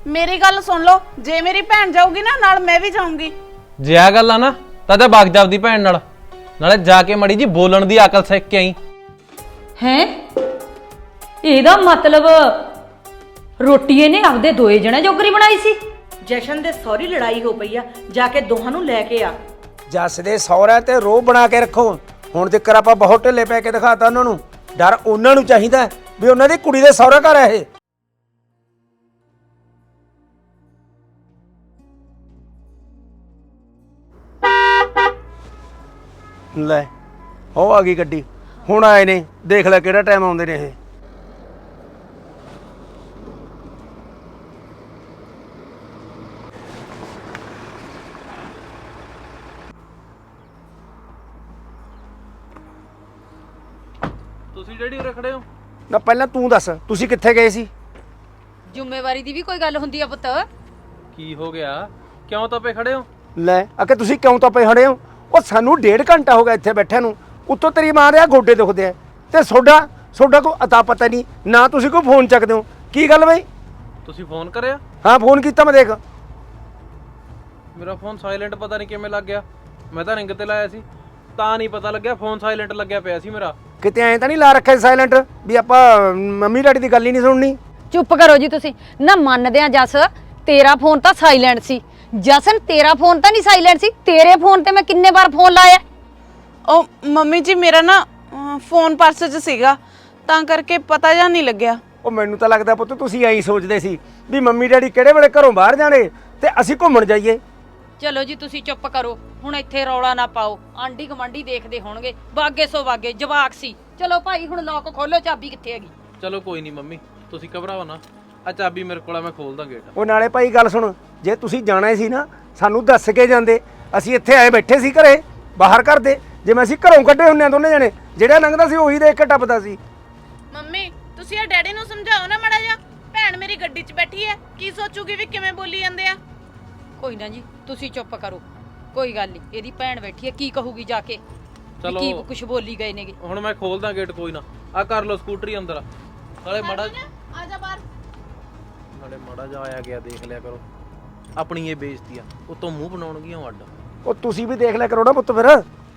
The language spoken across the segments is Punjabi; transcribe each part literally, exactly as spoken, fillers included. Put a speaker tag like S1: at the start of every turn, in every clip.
S1: मेरी गल सुन लो, जे मेरी भैन जाऊगी ना नाल मैं भी जाऊंगी।
S2: जे आ गल आ ना तां ते बाग जावदी भैन नाल नाले जाके मड़ी जी बोलण दी अकल सिख के आई।
S3: हैं ਇਹਦਾ मतलब ਰੋਟੀ ਇਹਨੇ ਆਪਦੇ ਦੋਏ ਜਣੇ ਜੋਗਰੀ ਬਣਾਈ ਸੀ।
S4: ਜਸ਼ਨ ਦੇ ਸੌਰੀ ਲੜਾਈ ਹੋ ਪਈ ਆ, ਜਾ ਕੇ ਦੋਹਾਂ ਨੂੰ ਲੈ ਕੇ ਆ।
S5: ਜੱਸ ਦੇ ਸਹੁਰਾ ਤੇ ਰੋਹ ਬਣਾ ਕੇ ਰੱਖੋ। ਹੁਣ ਤੱਕ ਆਪਾਂ ਬਹੁਤ ਢਿੱਲੇ ਪੈ ਕੇ ਦਿਖਾਤਾ ਉਹਨਾਂ ਨੂੰ। ਡਰ ਉਹਨਾਂ ਨੂੰ ਚਾਹੀਦਾ ਵੀ ਉਹਨਾਂ ਦੀ ਕੁੜੀ ਦੇ ਸਹੁਰਾ ਘਰ ਹੈ ਇਹ। ਲੈ ਹੋ ਆ ਗਈ ਗੱਡੀ, ਹੁਣ ਆਏ ਨੇ, ਦੇਖ ਲੈ ਕਿਹੜਾ ਟਾਈਮ ਆਉਂਦੇ ਨੇ ਇਹ।
S2: ਤੁਸੀਂ ਜਿਹੜੀ ਉਰੇ ਖੜੇ ਹੋ
S5: ਨਾ ਪਹਿਲਾਂ ਤੂੰ ਦੱਸ, ਤੁਸੀਂ ਕਿੱਥੇ ਗਏ ਸੀ?
S3: ਜ਼ਿੰਮੇਵਾਰੀ ਦੀ ਵੀ ਕੋਈ ਗੱਲ ਹੁੰਦੀ ਆ ਪੁੱਤ।
S2: ਕੀ ਹੋ ਗਿਆ, ਕਿਉਂ ਤਪੇ ਖੜੇ ਹੋ?
S5: ਲੈ ਅਕੇ ਤੁਸੀਂ ਕਿਉਂ ਤਾਂ ਪਏ ਖੜੇ ਹੋ? ਉਹ ਸਾਨੂੰ ਡੇਢ ਘੰਟਾ ਹੋ ਗਿਆ ਇੱਥੇ ਬੈਠਿਆਂ ਨੂੰ। ਉੱਤੋਂ ਤੇਰੀ ਮਾਂ ਦੇ ਆ ਗੋਡੇ ਦੁਖਦੇ ਆ ਤੇ ਸੋਡਾ ਸੋਡਾ ਕੋਈ ਅਤਾ ਪਤਾ ਨਹੀਂ ਨਾ, ਤੁਸੀਂ ਕੋਈ ਫੋਨ ਚੱਕਦੇ ਹੋ। ਕੀ ਗੱਲ ਬਈ?
S2: ਤੁਸੀਂ ਫੋਨ ਕਰਿਆ?
S5: ਹਾਂ ਫੋਨ ਕੀਤਾ ਮੈਂ, ਦੇਖ
S2: ਮੇਰਾ ਫੋਨ ਸਾਇਲੈਂਟ ਪਤਾ ਨਹੀਂ ਕਿਵੇਂ ਲੱਗ ਗਿਆ। ਮੈਂ ਤਾਂ ਰਿੰਗ ਤੇ ਲਾਇਆ ਸੀ ਤਾਂ ਨਹੀਂ ਪਤਾ ਲੱਗਿਆ, ਫੋਨ ਸਾਇਲੈਂਟ ਲੱਗਿਆ ਪਿਆ ਸੀ ਮੇਰਾ।
S5: ਕਿਤੇ ਐਂ ਤਾਂ ਨਹੀਂ ਲਾ ਰੱਖਿਆ ਸਾਇਲੈਂਟ ਵੀ ਆਪਾਂ ਮੰਮੀ ਡੈਡੀ ਦੀ ਗੱਲ ਹੀ ਨਹੀਂ ਸੁਣਨੀ?
S3: ਚੁੱਪ ਕਰੋ ਜੀ ਤੁਸੀਂ ਨਾ। ਮੰਨਦੇ ਆ ਜਸ, ਤੇਰਾ ਫੋਨ ਤਾਂ ਸਾਇਲੈਂਟ ਸੀ। ਜਸਨ ਤੇਰਾ ਫੋਨ ਤਾਂ ਨਹੀਂ ਸਾਇਲੈਂਟ ਸੀ, ਤੇਰੇ ਫੋਨ ਤੇ ਮੈਂ ਕਿੰਨੇ ਵਾਰ ਫੋਨ ਲਾਇਆ।
S1: ओ मम्मी जी मेरा ना फोन पर्स च सीगा तां करके पता जा नहीं लग्या।
S5: ਉਹ ਮੈਨੂੰ ਤਾਂ ਲੱਗਦਾ ਪੁੱਤ ਤੁਸੀਂ ਐਂ ਸੋਚਦੇ ਸੀ ਵੀ ਮੰਮੀ ਡੈਡੀ ਕਿਹੜੇ ਵੇਲੇ ਘਰੋਂ ਬਾਹਰ ਜਾਣੇ ਤੇ ਅਸੀਂ ਘੁੰਮਣ ਜਾਈਏ।
S3: ਚਲੋ ਜੀ ਤੁਸੀਂ ਚੁੱਪ ਕਰੋ ਹੁਣ, ਇੱਥੇ ਰੌਲਾ ਨਾ ਪਾਓ। ਆਂਢੀ ਗਵਾਂਢੀ ਦੇਖਦੇ ਹੋਣਗੇ। ਬਾਗੇ ਸੋ ਬਾਗੇ ਜਵਾਕ ਸੀ। ਚਲੋ ਭਾਈ ਹੁਣ ਲੋਕ ਖੋਲੋ, ਚਾਬੀ ਕਿੱਥੇ ਹੈਗੀ?
S2: ਚਲੋ ਕੋਈ ਨਹੀਂ ਮੰਮੀ, ਤੁਸੀਂ ਘਬਰਾਓ ਨਾ, ਆ ਚਾਬੀ ਮੇਰੇ ਕੋਲ ਆ, ਮੈਂ ਖੋਲਦਾ ਗੇਟ।
S5: ਉਹ ਨਾਲੇ ਭਾਈ ਗੱਲ ਸੁਣ, ਜੇ ਤੁਸੀਂ ਜਾਣਾ ਸੀ ਨਾ ਸਾਨੂੰ ਦੱਸ ਕੇ ਜਾਂਦੇ। ਅਸੀਂ ਇੱਥੇ ਆਏ ਬੈਠੇ ਸੀ ਘਰੇ, ਬਾਹਰ ਕਰਦੇ। ਜਿਵੇਂ ਅਸੀਂ ਘਰੋਂ ਕੱਢੇ ਹੁੰਨੇ ਆ ਦੋਨੇ ਜਣੇ, ਜਿਹੜਾ ਲੰਘਦਾ ਸੀ ਉਹੀ ਦੇਖ ਕੇ ਟੱਪਦਾ ਸੀ।
S1: ਮੰਮੀ ਤੁਸੀਂ ਇਹ ਡੈਡੀ ਨੂੰ ਸਮਝਾਓ ਨਾ ਮਾੜਾ ਜਿਹਾ। ਭੈਣ ਮੇਰੀ ਗੱਡੀ 'ਚ ਬੈਠੀ ਹੈ, ਕੀ ਸੋਚੂਗੀ ਵੀ ਕਿਵੇਂ ਬੋਲੀ ਜਾਂਦੇ ਆ।
S3: ਕੋਈ ਨਾ ਜੀ ਤੁਸੀਂ ਚੁੱਪ ਕਰੋ, ਕੋਈ ਗੱਲ ਨਹੀਂ। ਇਹਦੀ ਭੈਣ ਬੈਠੀ ਹੈ, ਕੀ ਕਹੂਗੀ ਜਾ ਕੇ?
S2: ਚਲੋ
S3: ਕੀ ਕੁਝ ਬੋਲੀ ਗਏ ਨੇਗੇ।
S2: ਹੁਣ ਮੈਂ ਖੋਲਦਾ ਗੇਟ, ਕੋਈ ਨਾ। ਆ ਕਰ ਲਓ ਸਕੂਟਰੀ ਅੰਦਰ, ਨਾਲੇ ਮਾੜਾ
S1: ਆ ਜਾ ਬਾਹਰ।
S2: ਨਾਲੇ ਮਾੜਾ ਜਾ ਆਇਆ ਗਿਆ ਦੇਖ ਲਿਆ ਕਰੋ। ਆਪਣੀ ਇਹ ਬੇਇੱਜ਼ਤੀ ਆ, ਉਤੋਂ ਮੂੰਹ ਬਣਾਉਣਗੀਆਂ ਅੱਡ।
S5: ਉਹ ਤੁਸੀਂ ਵੀ ਦੇਖ ਲਿਆ ਕਰੋ ਨਾ ਪੁੱਤ ਫਿਰ।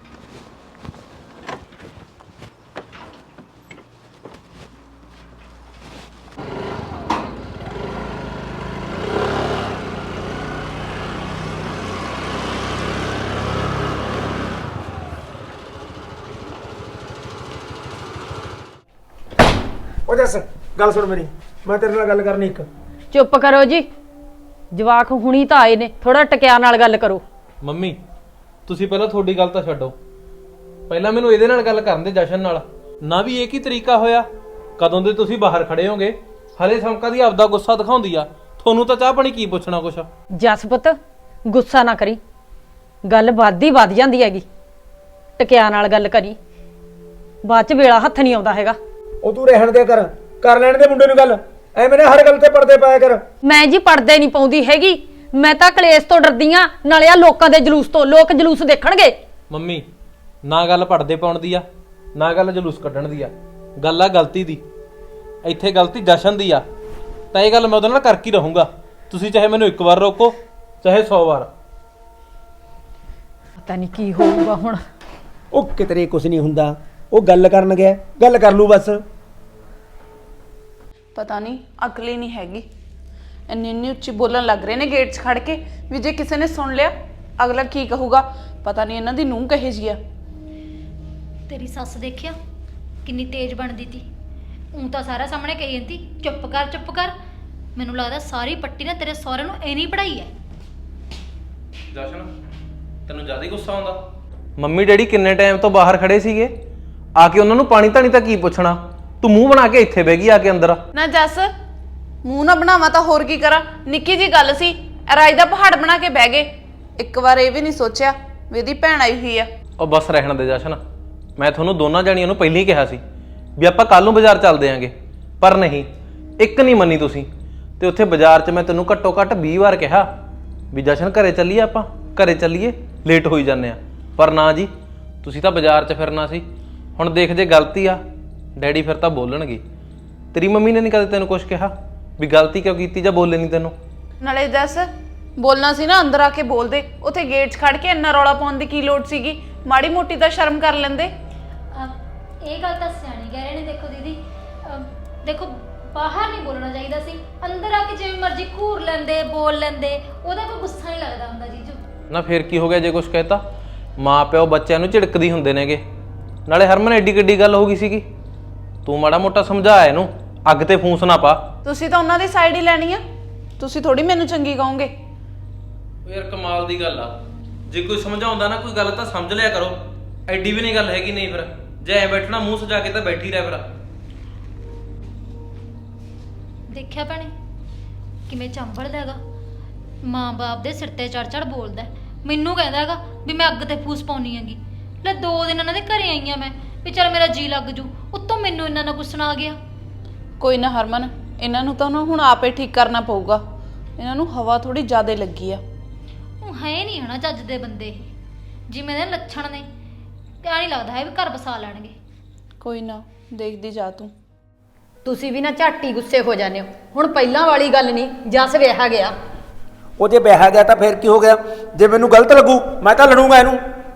S5: ਉਹ ਜੱਸ ਗੱਲ ਸੁਣ ਮੇਰੀ, ਮੈਂ ਤੇਰੇ ਨਾਲ ਗੱਲ ਕਰਨੀ ਇੱਕ।
S3: ਚੁੱਪ ਕਰੋ ਜੀ, ਜਵਾਕ ਹੁਣੀ ਤਾਂ ਆਏ ਨੇ, ਥੋੜਾ ਟਕਿਆ ਨਾਲ ਗੱਲ ਕਰੋ।
S2: ਮੰਮੀ ਤੁਸੀਂ ਪਹਿਲਾਂ ਤੁਹਾਡੀ ਗੱਲ ਤਾਂ ਛੱਡੋ, ਪਹਿਲਾਂ ਮੈਨੂੰ ਇਹਦੇ ਨਾਲ ਗੱਲ ਕਰਨ ਦੇ, ਜਸ਼ਨ ਨਾਲ। ਨਾ ਵੀ ਇਹ ਕੀ ਤਰੀਕਾ ਹੋਇਆ, ਕਦੋਂ ਦੇ ਤੁਸੀਂ ਬਾਹਰ ਖੜੇ ਹੋਗੇ, ਹਲੇ ਸਮਕਾ ਦੀ ਆਪਦਾ ਗੁੱਸਾ ਦਿਖਾਉਂਦੀ ਆ। ਤੁਹਾਨੂੰ ਤਾਂ ਚਾਹ ਪਾਣੀ ਕੀ ਪੁੱਛਣਾ ਕੁਛ।
S3: ਜਸ ਪੁੱਤ ਗੁੱਸਾ ਨਾ ਕਰੀ, ਗੱਲ ਵੱਧਦੀ ਵੱਧ ਜਾਂਦੀ ਹੈਗੀ। ਟਕਿਆ ਨਾਲ ਗੱਲ ਕਰੀ, ਬਾਅਦ ਚ ਵੇਲਾ ਹੱਥ ਨਹੀਂ ਆਉਂਦਾ ਹੈਗਾ।
S5: ਉਹ ਤੂੰ ਰਹਿਣ ਦੇ ਕਰ, ਕਰ ਲੈਣ ਦੇ ਮੁੰਡੇ ਨੂੰ ਗੱਲ। ਐਵੇਂ ਨਾ ਹਰ ਗੱਲ ਤੇ ਪਰਦੇ ਪਾਇਆ ਕਰ।
S3: ਮੈਂ ਜੀ ਪੜਦੇ ਨਹੀਂ ਪਾਉਂਦੀ ਹੈਗੀ, ਮੈਂ ਤਾਂ ਕਲੇਸ਼ ਤੋਂ ਡਰਦੀ ਆ, ਨਾਲੇ ਆ ਲੋਕਾਂ ਦੇ ਜਲੂਸ ਤੋਂ। ਲੋਕ ਜਲੂਸ ਦੇਖਣਗੇ।
S2: ਮੰਮੀ ਨਾ ਗੱਲ ਪੜਦੇ ਪਾਉਣ ਦੀ ਆ, ਨਾ ਗੱਲ ਜਲੂਸ ਕੱਢਣ ਦੀ ਆ। ਗੱਲ ਆ ਗਲਤੀ ਦੀ, ਇੱਥੇ ਗਲਤੀ ਜਸ਼ਨ ਦੀ ਆ। ਤਾਂ ਇਹ ਗੱਲ ਮੈਂ ਉਹਦੇ ਨਾਲ ਕਰ ਕੀ ਰਹੂੰਗਾ। ਤੁਸੀਂ ਚਾਹੇ ਮੈਨੂੰ ਇੱਕ ਵਾਰ ਰੋਕੋ, ਚਾਹੇ ਸੌ ਵਾਰ।
S3: ਪਤਾ ਨਹੀਂ ਕੀ ਹੋਊਗਾ ਹੁਣ।
S5: ਉਹ ਕਿਤਰੇ ਕੁਝ ਨਹੀਂ ਹੁੰਦਾ, ਉਹ ਗੱਲ ਕਰਨ ਗਿਆ, ਗੱਲ ਕਰ ਲੂ ਬਸ।
S1: ਪਤਾ ਨਹੀਂ ਅਕਲ ਹੀ ਨਹੀਂ ਹੈਗੀ। ਇੰਨੀ ਇੰਨੀ ਉੱਚੀ ਬੋਲਣ ਲੱਗ ਰਹੇ ਨੇ ਗੇਟ 'ਚ ਖੜ ਕੇ ਵੀ ਜੇ ਕਿਸੇ ਨੇ ਸੁਣ ਲਿਆ ਅਗਲਾ ਕੀ ਕਹੂਗਾ। ਪਤਾ ਨਹੀਂ ਇਹਨਾਂ ਦੀ ਨੂੰਹ ਕਹੇ ਜੀ ਆ।
S6: ਤੇਰੀ ਸੱਸ ਦੇਖਿਆ ਕਿੰਨੀ ਤੇਜ਼ ਬਣਦੀ ਤੀ। ਉਂ ਤਾਂ ਸਾਰਾ ਸਾਹਮਣੇ ਕਹੀ ਜਾਂਦੀ ਚੁੱਪ ਕਰ ਚੁੱਪ ਕਰ। ਮੈਨੂੰ ਲੱਗਦਾ ਸਾਰੀ ਪੱਟੀ ਨਾ ਤੇਰੇ ਸਹੁਰੇ ਨੂੰ ਐਨੀ ਪੜਾਈ ਐ।
S2: ਜਸ਼ਨ ਤੈਨੂੰ ਜ਼ਿਆਦਾ ਹੀ ਗੁੱਸਾ ਆਉਂਦਾ? ਮੰਮੀ ਡੈਡੀ ਕਿੰਨੇ ਟਾਈਮ ਤੋਂ ਬਾਹਰ ਖੜੇ ਸੀਗੇ, ਆ ਕੇ ਉਹਨਾਂ ਨੂੰ ਪਾਣੀ ਧਾਣੀ ਤਾਂ ਕੀ ਪੁੱਛਣਾ। ਤੂੰ ਮੂੰਹ ਬਣਾ ਕੇ ਇੱਥੇ ਬਹਿ ਗਈ ਆ ਕੇ ਅੰਦਰ।
S1: ਨਾ ਜੱਸ ਮੂੰਹ ਨਾ ਬਣਾਵਾ ਤਾਂ ਹੋਰ ਕੀ ਕਰਾਂ। ਨਿੱਕੀ ਜੀ ਗੱਲ ਸੀ, ਰਾਜ ਦਾ ਪਹਾੜ ਬਣਾ ਕੇ ਬਹਿ ਗਏ। ਇੱਕ ਵਾਰ ਇਹ ਵੀ ਨਹੀਂ ਸੋਚਿਆ ਵੀ ਇਹਦੀ ਭੈਣ ਆਈ ਹੋਈ ਆ।
S2: ਉਹ ਬਸ ਰਹਿਣ ਦੇ ਜਸ਼ਨ, ਮੈਂ ਤੁਹਾਨੂੰ ਦੋਨਾਂ ਜਾਣੀਆਂ ਨੂੰ ਪਹਿਲਾਂ ਹੀ ਕਿਹਾ ਸੀ ਵੀ ਆਪਾਂ ਕੱਲ ਨੂੰ ਬਾਜ਼ਾਰ ਚੱਲਦੇ ਆਂਗੇ, ਪਰ ਨਹੀਂ, ਇੱਕ ਨਹੀਂ ਮੰਨੀ ਤੁਸੀਂ। ਤੇ ਉੱਥੇ ਬਾਜ਼ਾਰ 'ਚ ਮੈਂ ਤੈਨੂੰ ਘੱਟੋ ਘੱਟ ਵੀਹ ਵਾਰ ਕਿਹਾ ਵੀ ਜਸ਼ਨ ਘਰੇ ਚੱਲੀਏ, ਆਪਾਂ ਘਰੇ ਚੱਲੀਏ, ਲੇਟ ਹੋਈ ਜਾਂਦੇ ਆ। ਪਰ ਨਾ ਜੀ, ਤੁਸੀਂ ਤਾਂ ਬਾਜ਼ਾਰ 'ਚ ਫਿਰਨਾ ਸੀ। ਹੁਣ ਦੇਖ ਜੇ ਗਲਤੀ ਆ ਡੈਡੀ ਫਿਰ ਤਾਂ ਬੋਲਣਗੇ। ਤੇਰੀ ਮੰਮੀ ਨੇ ਨਹੀਂ ਕਦੇ ਤੈਨੂੰ ਕੁਝ ਕਿਹਾ ਵੀ ਗਲਤੀ ਕਿਉਂ ਕੀਤੀ ਜਾਂ ਬੋਲੇ ਨਹੀਂ ਤੈਨੂੰ?
S1: ਨਾਲੇ ਜੱਸ ਬੋਲਣਾ ਸੀ ਨਾ ਅੰਦਰ ਆ ਕੇ ਬੋਲਦੇ, ਉੱਥੇ ਗੇਟ 'ਚ ਖੜ ਕੇ ਇੰਨਾ ਰੌਲਾ ਪਾਉਣ ਦੀ ਕੀ ਲੋੜ ਸੀਗੀ? ਮਾੜੀ ਮੋਟੀ ਤਾਂ ਸ਼ਰਮ ਕਰ ਲੈਂਦੇ।
S6: ਅਹ ਇਹ ਗੱਲ ਤਾਂ ਸਿਆਣੀ ਕਹਿ ਰਹੇ ਨੇ। ਦੇਖੋ ਦੀਦੀ, ਅਹ ਦੇਖੋ ਬਾਹਰ ਨਹੀਂ ਬੋਲਣਾ ਚਾਹੀਦਾ ਸੀ, ਅੰਦਰ ਆ ਕੇ ਜਿਵੇਂ ਮਰਜ਼ੀ ਘੂਰ ਲੈਂਦੇ, ਬੋਲ ਲੈਂਦੇ, ਉਹਦਾ ਕੋਈ ਗੁੱਸਾ ਨਹੀਂ ਲੱਗਦਾ ਹੁੰਦਾ ਜੀਜੂ।
S2: ਨਾ ਫੇਰ ਕੀ ਹੋ ਗਿਆ ਜੇ ਕੁਝ ਕਹਿਤਾ? ਮਾਂ ਪਿਓ ਬੱਚਿਆਂ ਨੂੰ ਝਿੜਕਦੀ ਹੁੰਦੇ ਨੇਗੇ। ਨਾਲੇ ਹਰਮਨ ਐਡੀ ਕਿੱਡੀ ਗੱਲ ਹੋ ਗਈ ਸੀਗੀ? ਤੂੰ ਮਾੜਾ ਮੋਟਾ ਸਮਝਾ ਇਹਨੂੰ, ਅੱਗ ਤੇ ਫੂਸ ਨਾ ਪਾ।
S1: ਤੁਸੀਂ ਤਾਂ ਉਹਨਾਂ ਦੀ ਸਾਈਡ ਹੀ ਲੈਣੀ ਆ, ਤੁਸੀਂ ਥੋੜੀ ਮੈਨੂੰ ਚੰਗੀ ਕਹੋਗੇ।
S2: ਯਾਰ ਕਮਾਲ ਦੀ ਗੱਲ ਆ, ਜੇ ਕੋਈ ਸਮਝਾਉਂਦਾ ਨਾ ਕੋਈ ਗੱਲ ਤਾਂ ਸਮਝ ਲਿਆ ਕਰੋ। ਐਡੀ ਵੀ ਨਹੀਂ ਗੱਲ ਹੈਗੀ। ਨਹੀਂ ਫਿਰ ਜੇ ਐ ਬੈਠਣਾ ਮੂੰਹ ਸਜਾ ਕੇ ਤਾਂ ਬੈਠੀ ਰਹਿ ਫਿਰ।
S6: ਦੇਖਿਆ ਭੈਣੇ ਕਿਵੇਂ ਚੰਬੜਦਾ ਹੈਗਾ, ਮਾਂ-ਬਾਪ ਦੇ ਸਿਰ ਤੇ ਚੜ ਚੜ ਬੋਲਦਾ। ਮੈਨੂੰ ਕਹਿੰਦਾ ਹੈਗਾ ਵੀ ਮੈਂ ਅੱਗ ਤੇ ਫੂਸ ਪਾਉਣੀ ਹੈਗੀ। ਲੈ ਦੋ ਦਿਨ ਇਹਨਾਂ ਦੇ ਘਰੇ ਆਈਆਂ ਮੈਂ ਵੀ ਚੱਲ ਮੇਰਾ ਜੀ ਲੱਗ ਜੂ, ਉੱਤੋਂ ਮੈਨੂੰ ਇਹਨਾਂ ਨਾਲ ਗੁੱਸਾ ਆ ਗਿਆ।
S1: ਕੋਈ ਨਾ ਹਰਮਨ, ਇਹਨਾਂ ਨੂੰ ਤਾਂ ਨਾ ਹੁਣ ਆਪੇ ਠੀਕ ਕਰਨਾ ਪਊਗਾ। ਇਹਨਾਂ ਨੂੰ ਹਵਾ ਥੋੜੀ ਜ਼ਿਆਦਾ ਲੱਗੀ ਆ।
S6: ਉਹ ਹੈ ਨਹੀਂ ਹਨਾ ਚੱਜ ਦੇ ਬੰਦੇ ਇਹ, ਜਿਵੇਂ ਦੇ ਲੱਛਣ ਨੇ ਕਿਆ ਨਹੀਂ ਲੱਗਦਾ ਹੈ ਵੀ ਘਰ ਬਸਾ ਲੈਣਗੇ।
S1: ਕੋਈ ਨਾ ਦੇਖਦੀ ਜਾ ਤੂੰ।
S3: ਤੁਸੀਂ ਵੀ ਨਾ ਝਾਟੀ ਗੁੱਸੇ ਹੋ ਜਾਂਦੇ ਹੋ। ਹੁਣ ਪਹਿਲਾਂ ਵਾਲੀ ਗੱਲ ਨਹੀਂ, ਜਸ ਵਿਆਹ ਗਿਆ।
S5: ਉਹ ਜੇ ਵਿਆਹ ਗਿਆ ਤਾਂ ਫਿਰ ਕੀ ਹੋ ਗਿਆ? ਜੇ ਮੈਨੂੰ ਗਲਤ ਲੱਗੂ ਮੈਂ ਤਾਂ ਲੜੂੰਗਾ ਇਹਨੂੰ।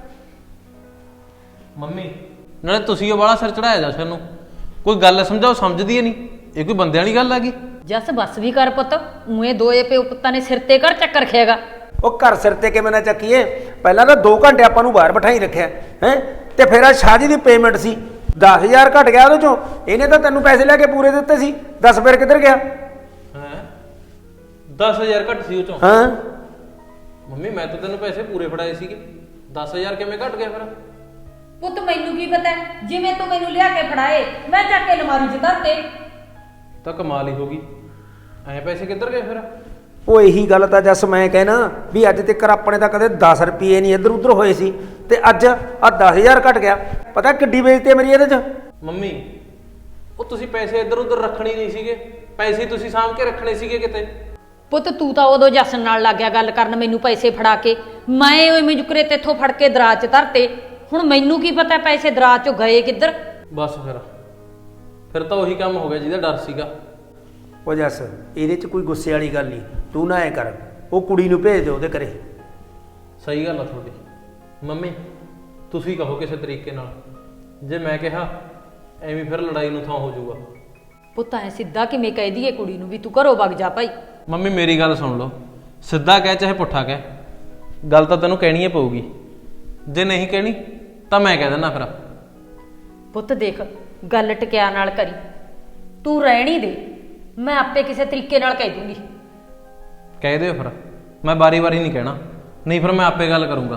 S2: ਮੰਮੀ ਨਾਲੇ ਤੁਸੀਂ ਉਹ ਵਾਲਾ ਸਿਰ ਚੜਾਇਆ ਜਸ਼ਨ ਨੂੰ। ਕੋਈ ਗੱਲ ਸਮਝਾਓ, ਸਮਝਦੀ ਏ ਨਹੀਂ। ਇਹ ਕੋਈ ਬੰਦੇ ਵਾਲੀ ਗੱਲ ਆ ਗਈ?
S3: ਜਸ ਬਸ ਵੀ ਕਰ ਪੁੱਤ, ਉਏ ਦੋਏ ਪਿਓ ਪੁੱਤਾਂ ਨੇ ਸਿਰ ਤੇ ਕਰ ਚੱਕਰ ਖਿਆਗਾ।
S5: ਉਹ ਘਰ ਸਿਰ ਤੇ ਕਿਵੇਂ ਨਾ ਚੱਕੀਏ? ਪਹਿਲਾਂ ਤਾਂ ਦੋ ਘੰਟੇ ਆਪਾਂ ਨੂੰ ਬਾਹਰ ਬਿਠਾਈ ਰੱਖਿਆ ਹੈ, ਤੇ ਫਿਰ ਆ ਸ਼ਾਦੀ ਦੀ ਪੇਮੈਂਟ ਸੀ ਦਸ ਹਜ਼ਾਰ ਘਟ ਗਿਆ ਉਹਦੇ ਚੋਂ। ਇਹਨੇ ਤਾਂ ਤੈਨੂੰ ਪੈਸੇ ਲੈ ਕੇ ਪੂਰੇ ਦਿੱਤੇ ਸੀ, ਦਸ ਫਿਰ ਕਿੱਧਰ ਗਿਆ?
S2: ਹੈ ਦਸ ਹਜ਼ਾਰ ਘੱਟ ਸੀ ਉਹ ਚੋਂ?
S5: ਹਾਂ
S2: ਮੰਮੀ ਮੈਂ ਤਾਂ ਤੈਨੂੰ ਪੈਸੇ ਪੂਰੇ ਫੜਾਏ ਸੀਗੇ, ਦਸ ਹਜ਼ਾਰ ਕਿਵੇਂ ਘਟ ਗਿਆ ਫਿਰ?
S3: ਪੁੱਤ ਮੈਨੂੰ ਕੀ ਪਤਾ, ਜਿਵੇਂ ਤੂੰ ਮੈਨੂੰ ਲਿਆ ਕੇ ਫੜਾਏ ਮੈਂ ਚੱਕ ਕੇ ਅਲਮਾਰੀ 'ਚ ਧਰਤੇ।
S2: ਤਾਂ ਕਮਾਲ ਹੀ ਹੋ ਗਈ, ਐ ਪੈਸੇ ਕਿੱਧਰ ਗਏ ਫਿਰ?
S5: ਉਹ ਇਹੀ ਗੱਲ ਤਾਂ ਜੱਸ ਮੈਂ ਕਹਿਣਾ ਵੀ ਅੱਜ ਤੱਕ ਆਪਣੇ ਤਾਂ ਕਦੇ ਦਸ ਰੁਪਏ ਨਹੀਂ ਇੱਧਰ ਉੱਧਰ ਹੋਏ ਸੀ, ਤੇ ਅੱਜ ਆ ਦਸ ਹਜ਼ਾਰ ਘਟ ਗਿਆ। ਪਤਾ ਕਿੱਡੀ ਬੇਇੱਜ਼ਤੀ ਹੈ ਮੇਰੀ ਇਹਦੇ 'ਚ।
S2: ਮੰਮੀ ਉਹ ਤੁਸੀਂ ਪੈਸੇ ਇੱਧਰ ਉੱਧਰ ਰੱਖਣੇ ਨਹੀਂ ਸੀਗੇ, ਪੈਸੇ ਤੁਸੀਂ ਸਾਂਭ ਕੇ ਰੱਖਣੇ ਸੀਗੇ ਕਿਤੇ।
S3: ਪੁੱਤ ਤੂੰ ਤਾਂ ਉਦੋਂ ਜਸਨ ਨਾਲ ਲੱਗ ਗਿਆ ਗੱਲ ਕਰਨ, ਮੈਨੂੰ ਪੈਸੇ ਫੜਾ ਕੇ। ਮੈਂ ਓਏ ਮਜੁਕਰੇ ਤੇਥੋਂ ਫੜ ਕੇ ਦਰਾਜ 'ਚ ਧਰਤੇ। ਹੁਣ ਮੈਨੂੰ ਕੀ ਪਤਾ ਪੈਸੇ ਦਰਾਜ 'ਚੋਂ ਗਏ ਕਿੱਧਰ।
S2: ਬਸ ਫਿਰ ਫਿਰ ਤਾਂ ਉਹੀ ਕੰਮ ਹੋ ਗਿਆ ਜਿਹਦਾ ਡਰ ਸੀਗਾ।
S5: ਉਹ ਜੱਸ ਇਹਦੇ 'ਚ ਕੋਈ ਗੁੱਸੇ ਵਾਲੀ ਗੱਲ ਨਹੀਂ, ਤੂੰ ਨਾ ਐ ਕਰ, ਉਹ ਕੁੜੀ ਨੂੰ ਭੇਜ ਦੇ ਉਹਦੇ ਘਰੇ।
S2: ਸਹੀ ਗੱਲ ਆ ਤੁਹਾਡੀ। ਮੰਮੀ ਤੁਸੀਂ ਕਹੋ ਕਿਸੇ ਤਰੀਕੇ ਨਾਲ, ਜੇ ਮੈਂ ਕਿਹਾ ਐਵੇਂ ਫਿਰ ਲੜਾਈ ਨੂੰ ਥਾਂ ਹੋ ਜਾਊਗਾ।
S3: ਪੁੱਤ ਐ ਸਿੱਧਾ ਕਿਵੇਂ ਕਹਿ ਦਈਏ ਕੁੜੀ ਨੂੰ ਵੀ ਤੂੰ ਘਰੋਂ ਵਗ ਜਾ ਭਾਈ?
S2: ਮੰਮੀ ਮੇਰੀ ਗੱਲ ਸੁਣ ਲਓ, ਸਿੱਧਾ ਕਹਿ ਚਾਹੇ ਪੁੱਠਾ ਕਹਿ, ਗੱਲ ਤਾਂ ਤੈਨੂੰ ਕਹਿਣੀ ਹੀ ਪਊਗੀ। ਜੇ ਨਹੀਂ ਕਹਿਣੀ ਤਾਂ ਮੈਂ ਕਹਿ ਦਿੰਦਾ ਫਿਰ।
S3: ਪੁੱਤ ਦੇਖ ਗੱਲ ਟਕਿਆ ਨਾਲ ਕਰੀ, ਤੂੰ ਰਹਿਣੀ ਦੇ, ਮੈਂ ਆਪੇ ਕਿਸੇ ਤਰੀਕੇ ਨਾਲ ਕਹਿ ਦੂੰਗੀ।
S2: ਕਹਿ ਦਿਓ ਫਿਰ, ਮੈਂ ਬਾਰੀ ਬਾਰੀ ਨਹੀਂ ਕਹਿਣਾ, ਨਹੀਂ ਫਿਰ ਮੈਂ ਆਪੇ ਗੱਲ ਕਰੂੰਗਾ।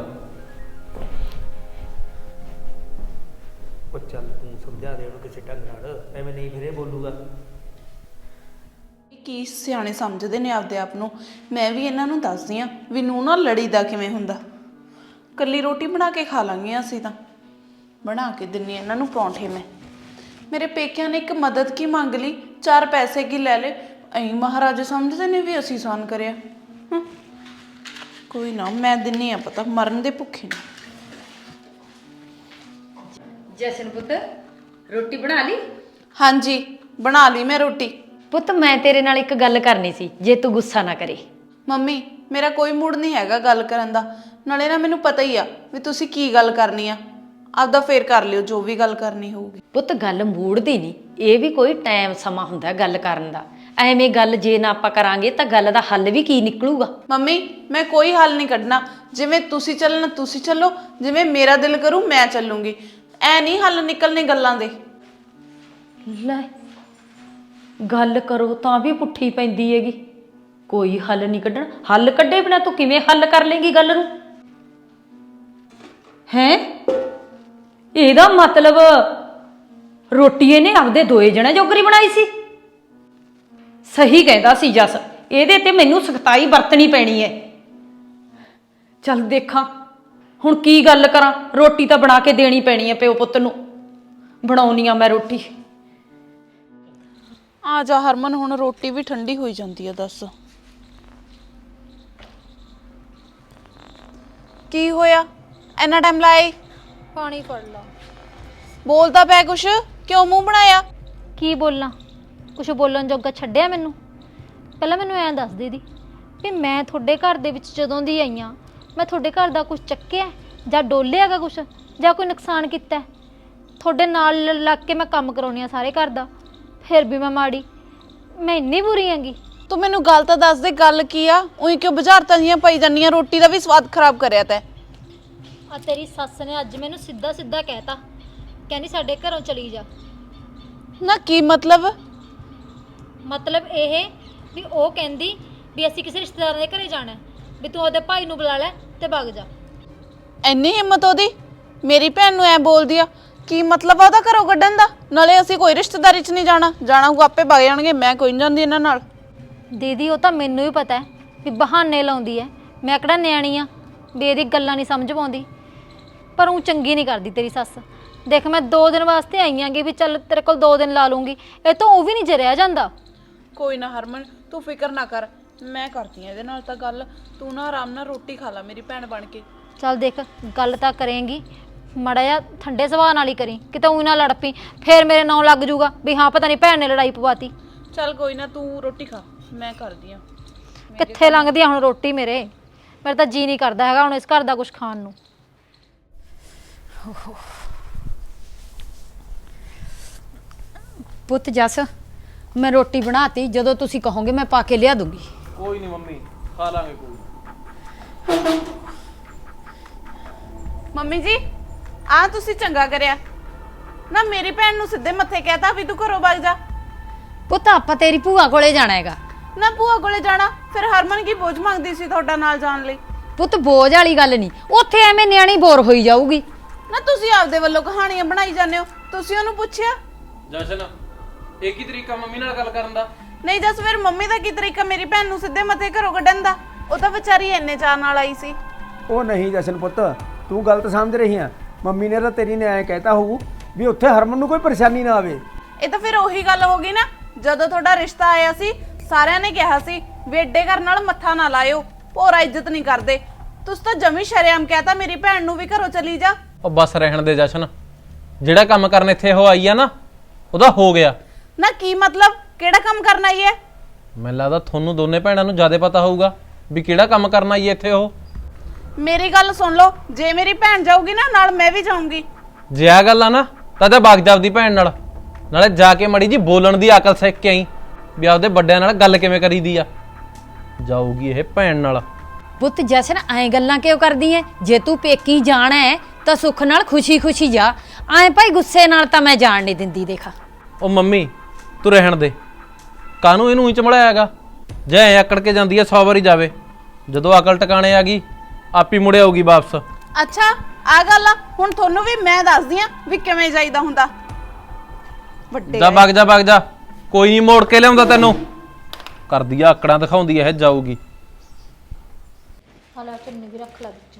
S5: ਉਹ ਚੱਲ ਤੂੰ ਸਮਝਾ ਦੇ ਉਹਨੂੰ ਕਿਸੇ ਢੰਗ ਨਾਲ, ਐਵੇਂ ਨਹੀਂ ਫਿਰ ਇਹ ਬੋਲੂਗਾ।
S1: ਕੀ ਸਿਆਣੇ ਸਮਝਦੇ ਨੇ ਆਪਦੇ ਆਪ ਨੂੰ। ਮੈਂ ਵੀ ਇਹਨਾਂ ਨੂੰ ਦੱਸਦੀ ਆ ਵੀ ਨੂੰ ਨਾ ਲੜੀਦਾ ਕਿਵੇਂ ਹੁੰਦਾ। ਕੱਲੀ ਰੋਟੀ ਬਣਾ ਕੇ ਖਾ ਲਾਂਗੇ ਅਸੀਂ ਤਾਂ, ਬਣਾ ਕੇ ਦਿੰਨੀ ਇਹਨਾਂ ਨੂੰ ਪਰੌਂਠੇ। ਮੈਂ ਮੇਰੇ ਪੇਕਿਆਂ ਨੇ ਇੱਕ ਮਦਦ ਕੀ ਮੰਗ ਲਈ, ਚਾਰ ਪੈਸੇ ਕੀ ਲੈ ਲੇ, ਐਂ ਮਹਾਰਾਜਾ ਸਮਝਦੇ ਨੇ ਵੀ ਅਸੀਂ ਸਾਨ ਕਰਿਆ। ਹੂੰ ਕੋਈ ਨਾ, ਮੈਂ ਦਿੰਨੀ ਆ ਪਤਾ, ਮਰਨ ਦੇ ਭੁੱਖੇ ਨੇ।
S3: ਜਸ਼ਨ ਪੁੱਤ ਰੋਟੀ ਬਣਾ ਲਈ?
S1: ਹਾਂਜੀ ਬਣਾ ਲਈ ਮੈਂ ਰੋਟੀ।
S3: ਪੁੱਤ ਮੈਂ ਤੇਰੇ ਨਾਲ ਇੱਕ ਗੱਲ ਕਰਨੀ ਸੀ, ਜੇ ਤੂੰ ਗੁੱਸਾ ਨਾ ਕਰੇ।
S1: ਮੰਮੀ ਮੇਰਾ ਕੋਈ ਮੂਡ ਨਹੀਂ ਹੈਗਾ ਗੱਲ ਕਰਨ ਦਾ, ਨਾਲੇ ਨਾ ਮੈਨੂੰ ਪਤਾ ਹੀ ਆ ਵੀ ਤੁਸੀਂ ਕੀ ਗੱਲ ਕਰਨੀ ਆ, ਆਪਦਾ ਫੇਰ ਕਰ ਲਿਓ ਜੋ ਵੀ ਗੱਲ ਕਰਨੀ ਹੋਊਗੀ।
S3: ਪੁੱਤ ਗੱਲ ਮੂਡ ਦੀ ਨਹੀਂ, ਇਹ ਵੀ ਕੋਈ ਟਾਈਮ ਸਮਾਂ ਹੁੰਦਾ ਗੱਲ ਕਰਨ ਦਾ। ਐਵੇਂ ਗੱਲ ਜੇ ਨਾ ਆਪਾਂ ਕਰਾਂਗੇ ਤਾਂ ਗੱਲ ਦਾ ਹੱਲ ਵੀ ਕੀ ਨਿਕਲੂਗਾ?
S1: ਮੰਮੀ ਮੈਂ ਕੋਈ ਹੱਲ ਨਹੀਂ ਕੱਢਣਾ, ਜਿਵੇਂ ਤੁਸੀਂ ਚੱਲਣਾ ਤੁਸੀਂ ਚੱਲੋ, ਜਿਵੇਂ ਮੇਰਾ ਦਿਲ ਕਰੂ ਮੈਂ ਚੱਲੂੰਗੀ। ਐ ਨਹੀਂ ਹੱਲ ਨਿਕਲਣੇ ਗੱਲਾਂ ਦੇ।
S3: ਲੈ ਗੱਲ ਕਰੋ ਤਾਂ ਵੀ ਪੁੱਠੀ ਪੈਂਦੀ ਹੈਗੀ, ਕੋਈ ਹੱਲ ਨਹੀਂ ਕੱਢਣਾ। ਹੱਲ ਕੱਢੇ ਬਿਨਾ ਤੂੰ ਕਿਵੇਂ ਹੱਲ ਕਰ ਲੇਂਗੀ ਗੱਲ ਨੂੰ? ਹੈਂ ਇਹਦਾ ਮਤਲਬ ਰੋਟੀ ਇਹਨੇ ਆਪਦੇ ਦੋਏ ਜਣੇ ਜੋਗਰੀ ਬਣਾਈ ਸੀ। ਸਹੀ ਕਹਿੰਦਾ ਸੀ ਜਸ, ਇਹਦੇ ਤੇ ਮੈਨੂੰ ਸਖਤਾਈ ਵਰਤਣੀ ਪੈਣੀ ਹੈ। ਚੱਲ ਦੇਖਾਂ ਹੁਣ ਕੀ ਗੱਲ ਕਰਾਂ, ਰੋਟੀ ਤਾਂ ਬਣਾ ਕੇ ਦੇਣੀ ਪੈਣੀ ਹੈ ਪਿਓ ਪੁੱਤ ਨੂੰ। ਬਣਾਉਣੀ ਆ ਮੈਂ ਰੋਟੀ।
S1: ਆ ਜਾ ਹਰਮਨ, ਹੁਣ ਰੋਟੀ ਵੀ ਠੰਡੀ ਹੋਈ ਜਾਂਦੀ ਆ। ਦੱਸ ਕੀ ਹੋਇਆ, ਇੰਨਾ ਟਾਈਮ ਲਾਇਆ?
S6: ਪਾਣੀ ਫੜ ਲਾ।
S1: ਬੋਲਦਾ ਪਿਆ ਕੁਛ, ਕਿਉਂ ਮੂੰਹ ਬਣਾਇਆ?
S6: ਕੀ ਬੋਲਾਂ, ਕੁਛ ਬੋਲਣ ਜੋਗਾ ਛੱਡਿਆ ਮੈਨੂੰ? ਪਹਿਲਾਂ ਮੈਨੂੰ ਐਂ ਦੱਸ ਦੇ ਦੀ ਵੀ ਮੈਂ ਤੁਹਾਡੇ ਘਰ ਦੇ ਵਿੱਚ ਜਦੋਂ ਦੀ ਆਈ ਹਾਂ ਮੈਂ ਤੁਹਾਡੇ ਘਰ ਦਾ ਕੁਝ ਚੱਕਿਆ ਜਾਂ ਡੋਲਿਆਗਾ ਕੁਝ ਜਾਂ ਕੋਈ ਨੁਕਸਾਨ ਕੀਤਾ? ਤੁਹਾਡੇ ਨਾਲ ਲ- ਲੱਗ ਕੇ ਮੈਂ ਕੰਮ ਕਰਾਉਣੀ ਆ ਸਾਰੇ ਘਰ ਦਾ, ਫਿਰ ਵੀ ਮੈਂ ਮਾੜੀ? ਮੈਂ ਇੰਨੀ ਬੁਰੀ ਹੈਗੀ?
S1: ਤੂੰ ਮੈਨੂੰ ਗੱਲ ਤਾਂ ਦੱਸ ਦੇ, ਗੱਲ ਕੀ ਆ? ਉਹੀ ਕਿਉਂ ਬੁਝਾਰਤਾਂ ਜੀਆਂ ਪਈ ਜਾਂਦੀਆਂ? ਰੋਟੀ ਦਾ ਵੀ ਸਵਾਦ ਖਰਾਬ ਕਰਿਆ ਤੈਂ।
S6: ਆ ਤੇਰੀ ਸੱਸ ਨੇ ਅੱਜ ਮੈਨੂੰ ਸਿੱਧਾ ਸਿੱਧਾ ਕਹਿਤਾ, ਕਹਿੰਦੀ ਸਾਡੇ ਘਰੋਂ ਚਲੀ ਜਾ।
S1: ਨਾ ਕੀ ਮਤਲਬ?
S6: ਮਤਲਬ ਇਹ ਵੀ ਉਹ ਕਹਿੰਦੀ ਵੀ ਅਸੀਂ ਕਿਸੇ ਰਿਸ਼ਤੇਦਾਰਾਂ ਦੇ ਘਰੇ ਜਾਣਾ ਹੈ, ਵੀ ਤੂੰ ਉਹਦੇ ਭਾਈ ਨੂੰ ਬੁਲਾ ਲੈ ਤੇ ਭੱਗ ਜਾ।
S1: ਇੰਨੀ ਹਿੰਮਤ ਉਹਦੀ? ਮੇਰੀ ਭੈਣ ਨੂੰ ਐ ਬੋਲਦੀ ਆ? ਕੀ ਮਤਲਬ ਆ ਉਹਦਾ ਘਰੋਂ ਕੱਢਣ ਦਾ? ਨਾਲੇ ਅਸੀਂ ਕੋਈ ਰਿਸ਼ਤੇਦਾਰੀ 'ਚ ਨਹੀਂ ਜਾਣਾ, ਜਾਣਾ ਉਹ ਆਪੇ ਵਗ ਜਾਣਗੇ, ਮੈਂ ਕੋਈ ਨਹੀਂ ਜਾਂਦੀ ਇਹਨਾਂ ਨਾਲ।
S6: ਦੀਦੀ ਉਹ ਤਾਂ ਮੈਨੂੰ ਵੀ ਪਤਾ ਹੈ ਵੀ ਬਹਾਨੇ ਲਾਉਂਦੀ ਹੈ, ਮੈਂ ਕਿਹੜਾ ਨਿਆਣੀ ਆ ਵੀ ਇਹਦੀ ਗੱਲਾਂ ਨਹੀਂ ਸਮਝ ਪਾਉਂਦੀ, ਪਰ ਉਹ ਚੰਗੀ ਨਹੀਂ ਕਰਦੀ ਤੇਰੀ ਸੱਸ। ਦੇਖ ਮੈਂ ਦੋ ਦਿਨ ਵਾਸਤੇ ਆਈ ਆਂਗੀ ਵੀ ਚੱਲ ਤੇਰੇ ਕੋਲ ਦੋ ਦਿਨ ਲਾ ਲੂੰਗੀ, ਇਹ ਤਾਂ ਉਹ ਵੀ ਨਹੀਂ ਜੇ ਰਹਿ ਜਾਂਦਾ।
S1: ਕੋਈ ਨਾ ਹਰਮਨ, ਤੂੰ ਫਿਕਰ ਨਾ ਕਰ, ਮੈਂ ਕਰਦੀ ਆ ਇਹਦੇ ਨਾਲ ਤਾਂ ਗੱਲ। ਤੂੰ ਨਾ ਆਰਾਮ ਨਾਲ ਰੋਟੀ ਖਾ ਲੈ ਮੇਰੀ ਭੈਣ ਬਣ ਕੇ।
S6: ਚੱਲ ਦੇਖ ਗੱਲ ਤਾਂ ਕਰੇਂਗੀ, ਮਾੜਾ ਜਿਹਾ ਠੰਡੇ ਸੁਭਾਅ ਨਾਲ ਹੀ ਕਰੀ, ਕਿਤੇ ਊਂ ਨਾ ਲੜ ਪਈ, ਫੇਰ ਮੇਰੇ ਨਾਂ ਲੱਗ ਜੂਗਾ ਵੀ ਹਾਂ ਪਤਾ ਨਹੀਂ ਭੈਣ ਨੇ ਲੜਾਈ ਪਵਾਤੀ।
S1: ਚੱਲ ਕੋਈ ਨਾ, ਤੂੰ ਰੋਟੀ ਖਾ, ਮੈਂ ਕਰਦੀ ਆ।
S6: ਕਿੱਥੇ ਲੰਘਦੀ ਆ ਹੁਣ ਰੋਟੀ ਮੇਰੇ? ਮੇਰਾ ਤਾਂ ਜੀ ਨਹੀਂ ਕਰਦਾ ਹੈਗਾ ਹੁਣ ਇਸ ਘਰ ਦਾ ਕੁਝ ਖਾਣ ਨੂੰ।
S3: ਪੁੱਤ ਜੱਸ, ਮੈਂ ਰੋਟੀ ਬਣਾਤੀ, ਜਦੋਂ ਤੁਸੀਂ ਕਹੋਗੇ ਮੈਂ ਪਾ ਕੇ ਲਿਆ ਦੂੰਗੀ।
S2: ਕੋਈ ਨਹੀਂ ਮੰਮੀ, ਖਾ ਲਾਂਗੇ ਕੋਈ।
S1: ਮੰਮੀ ਜੀ, ਆ ਤੁਸੀਂ ਚੰਗਾ ਕਰਿਆ ਨਾ, ਮੇਰੀ ਭੈਣ ਨੂੰ ਸਿੱਧੇ ਮੱਥੇ ਕਹਿਤਾ ਵੀ ਤੂੰ ਘਰੋਂ ਵਗ ਜਾ।
S3: ਪੁੱਤ ਆਪਾਂ ਤੇਰੀ ਭੂਆ ਕੋਲੇ ਜਾਣਾ ਹੈਗਾ।
S1: ਨਾ ਭੂਆ ਕੋਲੇ ਜਾਣਾ, ਫਿਰ ਹਰਮਨ ਕੀ ਬੋਝ ਮੰਗਦੀ ਸੀ ਤੁਹਾਡਾ ਨਾਲ ਜਾਣ ਲਈ?
S3: ਪੁੱਤ ਬੋਝ ਵਾਲੀ ਗੱਲ ਨਹੀਂ, ਉੱਥੇ ਐਵੇਂ ਨਿਆਣੀ ਬੋਰ ਹੋਈ ਜਾਊਗੀ।
S1: ਨਾ ਤੁਸੀਂ ਆਪਦੇ ਵੱਲੋਂ ਕਹਾਣੀਆਂ ਬਣਾਈ ਜਾਂਦੇ ਹੋ, ਤੁਸੀਂ ਉਹਨੂੰ ਪੁੱਛਿਆ?
S2: ਜਸ਼ਨ, ਇਹ ਕੀ ਤਰੀਕਾ ਮੰਮੀ ਨਾਲ ਗੱਲ ਕਰਨ ਦਾ?
S1: ਨਹੀਂ ਜਸ, ਫਿਰ ਮੰਮੀ ਦਾ ਕੀ ਤਰੀਕਾ ਮੇਰੀ ਭੈਣ ਨੂੰ ਸਿੱਧੇ ਮੱਥੇ ਘਰੋਂ ਕੱਢਣ ਦਾ? ਉਹ ਤਾਂ ਵਿਚਾਰੀ ਇੰਨੇ ਚਾਅ ਨਾਲ ਆਈ ਸੀ।
S5: ਉਹ ਨਹੀਂ ਜਸ਼ਨ ਪੁੱਤ, ਤੂੰ ਗਲਤ ਸਮਝ ਰਹੀ ਆ। ਮੰਮੀ ਨੇ ਤਾਂ ਤੇਰੀ ਨੇ ਐਂ ਕਹਿਤਾ ਹੋਊ ਵੀ ਉੱਥੇ ਹਰਮਨ ਨੂੰ ਕੋਈ ਪਰੇਸ਼ਾਨੀ ਨਾ ਆਵੇ।
S1: ਇਹ ਤਾਂ ਫਿਰ ਉਹੀ ਗੱਲ ਹੋ ਗਈ ਨਾ, ਜਦੋਂ ਤੁਹਾਡਾ ਰਿਸ਼ਤਾ ਆਇਆ ਸੀ ਸਾਰਿਆਂ ਨੇ ਕਿਹਾ ਸੀ ਵੀ ਏਡੇ ਘਰ ਨਾਲ ਮੱਥਾ ਨਾ ਲਾਇਓ, ਭੋਰਾ ਇੱਜ਼ਤ ਨਹੀਂ ਕਰਦੇ। ਤੁਸੀਂ ਤਾਂ ਜਮੀ ਸ਼ਰੇਆਮ ਕਹਿਤਾ ਮੇਰੀ ਭੈਣ ਨੂੰ ਵੀ ਘਰੋਂ ਚਲੀ ਜਾ।
S2: ਉਹ ਬਸ ਰਹਿਣ ਦੇ ਜਸ਼ਨ, ਜਿਹੜਾ ਕੰਮ ਕਰਨ ਇੱਥੇ ਉਹ ਆਈ ਆ ਨਾ ਉਹਦਾ ਹੋ ਗਿਆ।
S1: ਨਾ ਕੀ ਮਤਲਬ? ਕਿਹੜਾ ਕੰਮ ਕਰਨ ਆਈ ਹੈ?
S2: ਮੈਨੂੰ ਲੱਗਦਾ ਤੁਹਾਨੂੰ ਦੋਨੇ ਭੈਣਾਂ ਨੂੰ ਜ਼ਿਆਦਾ ਪਤਾ ਹੋਊਗਾ ਵੀ ਕਿਹੜਾ ਕੰਮ ਕਰਨ ਆਈ ਹੈ ਇੱਥੇ ਉਹ।
S1: ਮੇਰੀ ਗੱਲ ਸੁਣ ਲਓ, ਜੇ ਮੇਰੀ ਭੈਣ ਜਾਊਗੀ ਨਾ ਨਾਲ ਮੈਂ ਵੀ ਜਾਊਂਗੀ।
S2: ਜੇ ਆ ਗੱਲ ਆ ਨਾ ਤਾਂ ਤੇ ਬਾਗ ਜਾਵਦੀ ਭੈਣ ਨਾਲ, ਨਾਲੇ ਜਾ ਕੇ ਮੜੀ ਜੀ ਬੋਲਣ ਦੀ ਅਕਲ ਸਿੱਖ ਕੇ ਆਈ ਵੀ ਆਪਦੇ ਵੱਡਿਆਂ ਨਾਲ ਗੱਲ ਕਿਵੇਂ ਕਰੀਦੀ ਆ। ਜਾਊਗੀ ਇਹ ਭੈਣ ਨਾਲ।
S3: ਪੁੱਤ ਜਸ਼ਨ ਐਂ ਗੱਲਾਂ ਕਿਉਂ ਕਰਦੀ ਐ? ਜੇ ਤੂੰ ਪੇਕੀ ਜਾਣਾ ਹੈ ਤਾਂ ਸੁੱਖ ਨਾਲ ਖੁਸ਼ੀ ਖੁਸ਼ੀ ਜਾ, ਐਂ ਭਾਈ ਗੁੱਸੇ ਨਾਲ ਤਾਂ ਮੈਂ ਜਾਣ ਨਹੀਂ ਦਿੰਦੀ। ਦੇਖਾ
S2: ਉਹ ਮੰਮੀ ਤੂੰ ਰਹਿਣ ਦੇ, ਕਾਹਨੂੰ ਇਹਨੂੰ ਹੀ ਚਮੜਾਇਆ ਹੈਗਾ? ਜੇ ਐ ਆਕੜ ਕੇ ਜਾਂਦੀ ਐ ਸੌ ਵਾਰੀ ਜਾਵੇ, ਜਦੋਂ ਅਕਲ ਟਿਕਾਣੇ ਆ ਗਈ ਆਪੀ ਮੁੜੇ ਆਊਗੀ ਵਾਪਸ।
S1: ਅੱਛਾ ਆ ਗੱਲ ਆ, ਹੁਣ ਤੁਹਾਨੂੰ ਵੀ ਮੈਂ ਦੱਸਦੀ ਆ ਵੀ ਕਿਵੇਂ ਜਾਈਦਾ ਹੁੰਦਾ। ਵੱਡੇ
S2: ਜਾ ਵਗ ਜਾ ਵਗ ਜਾ, ਕੋਈ ਨਹੀਂ ਮੋੜ ਕੇ ਲਿਆਉਂਦਾ ਤੈਨੂੰ। ਕਰਦੀ ਆ ਆਕੜਾਂ ਦਿਖਾਉਂਦੀ ਐ, ਇਹ ਜਾਊਗੀ।
S6: ਹਾਲਾ ਚੁੰਨੀ ਵੀ ਰੱਖ ਲਾ ਵਿੱਚ।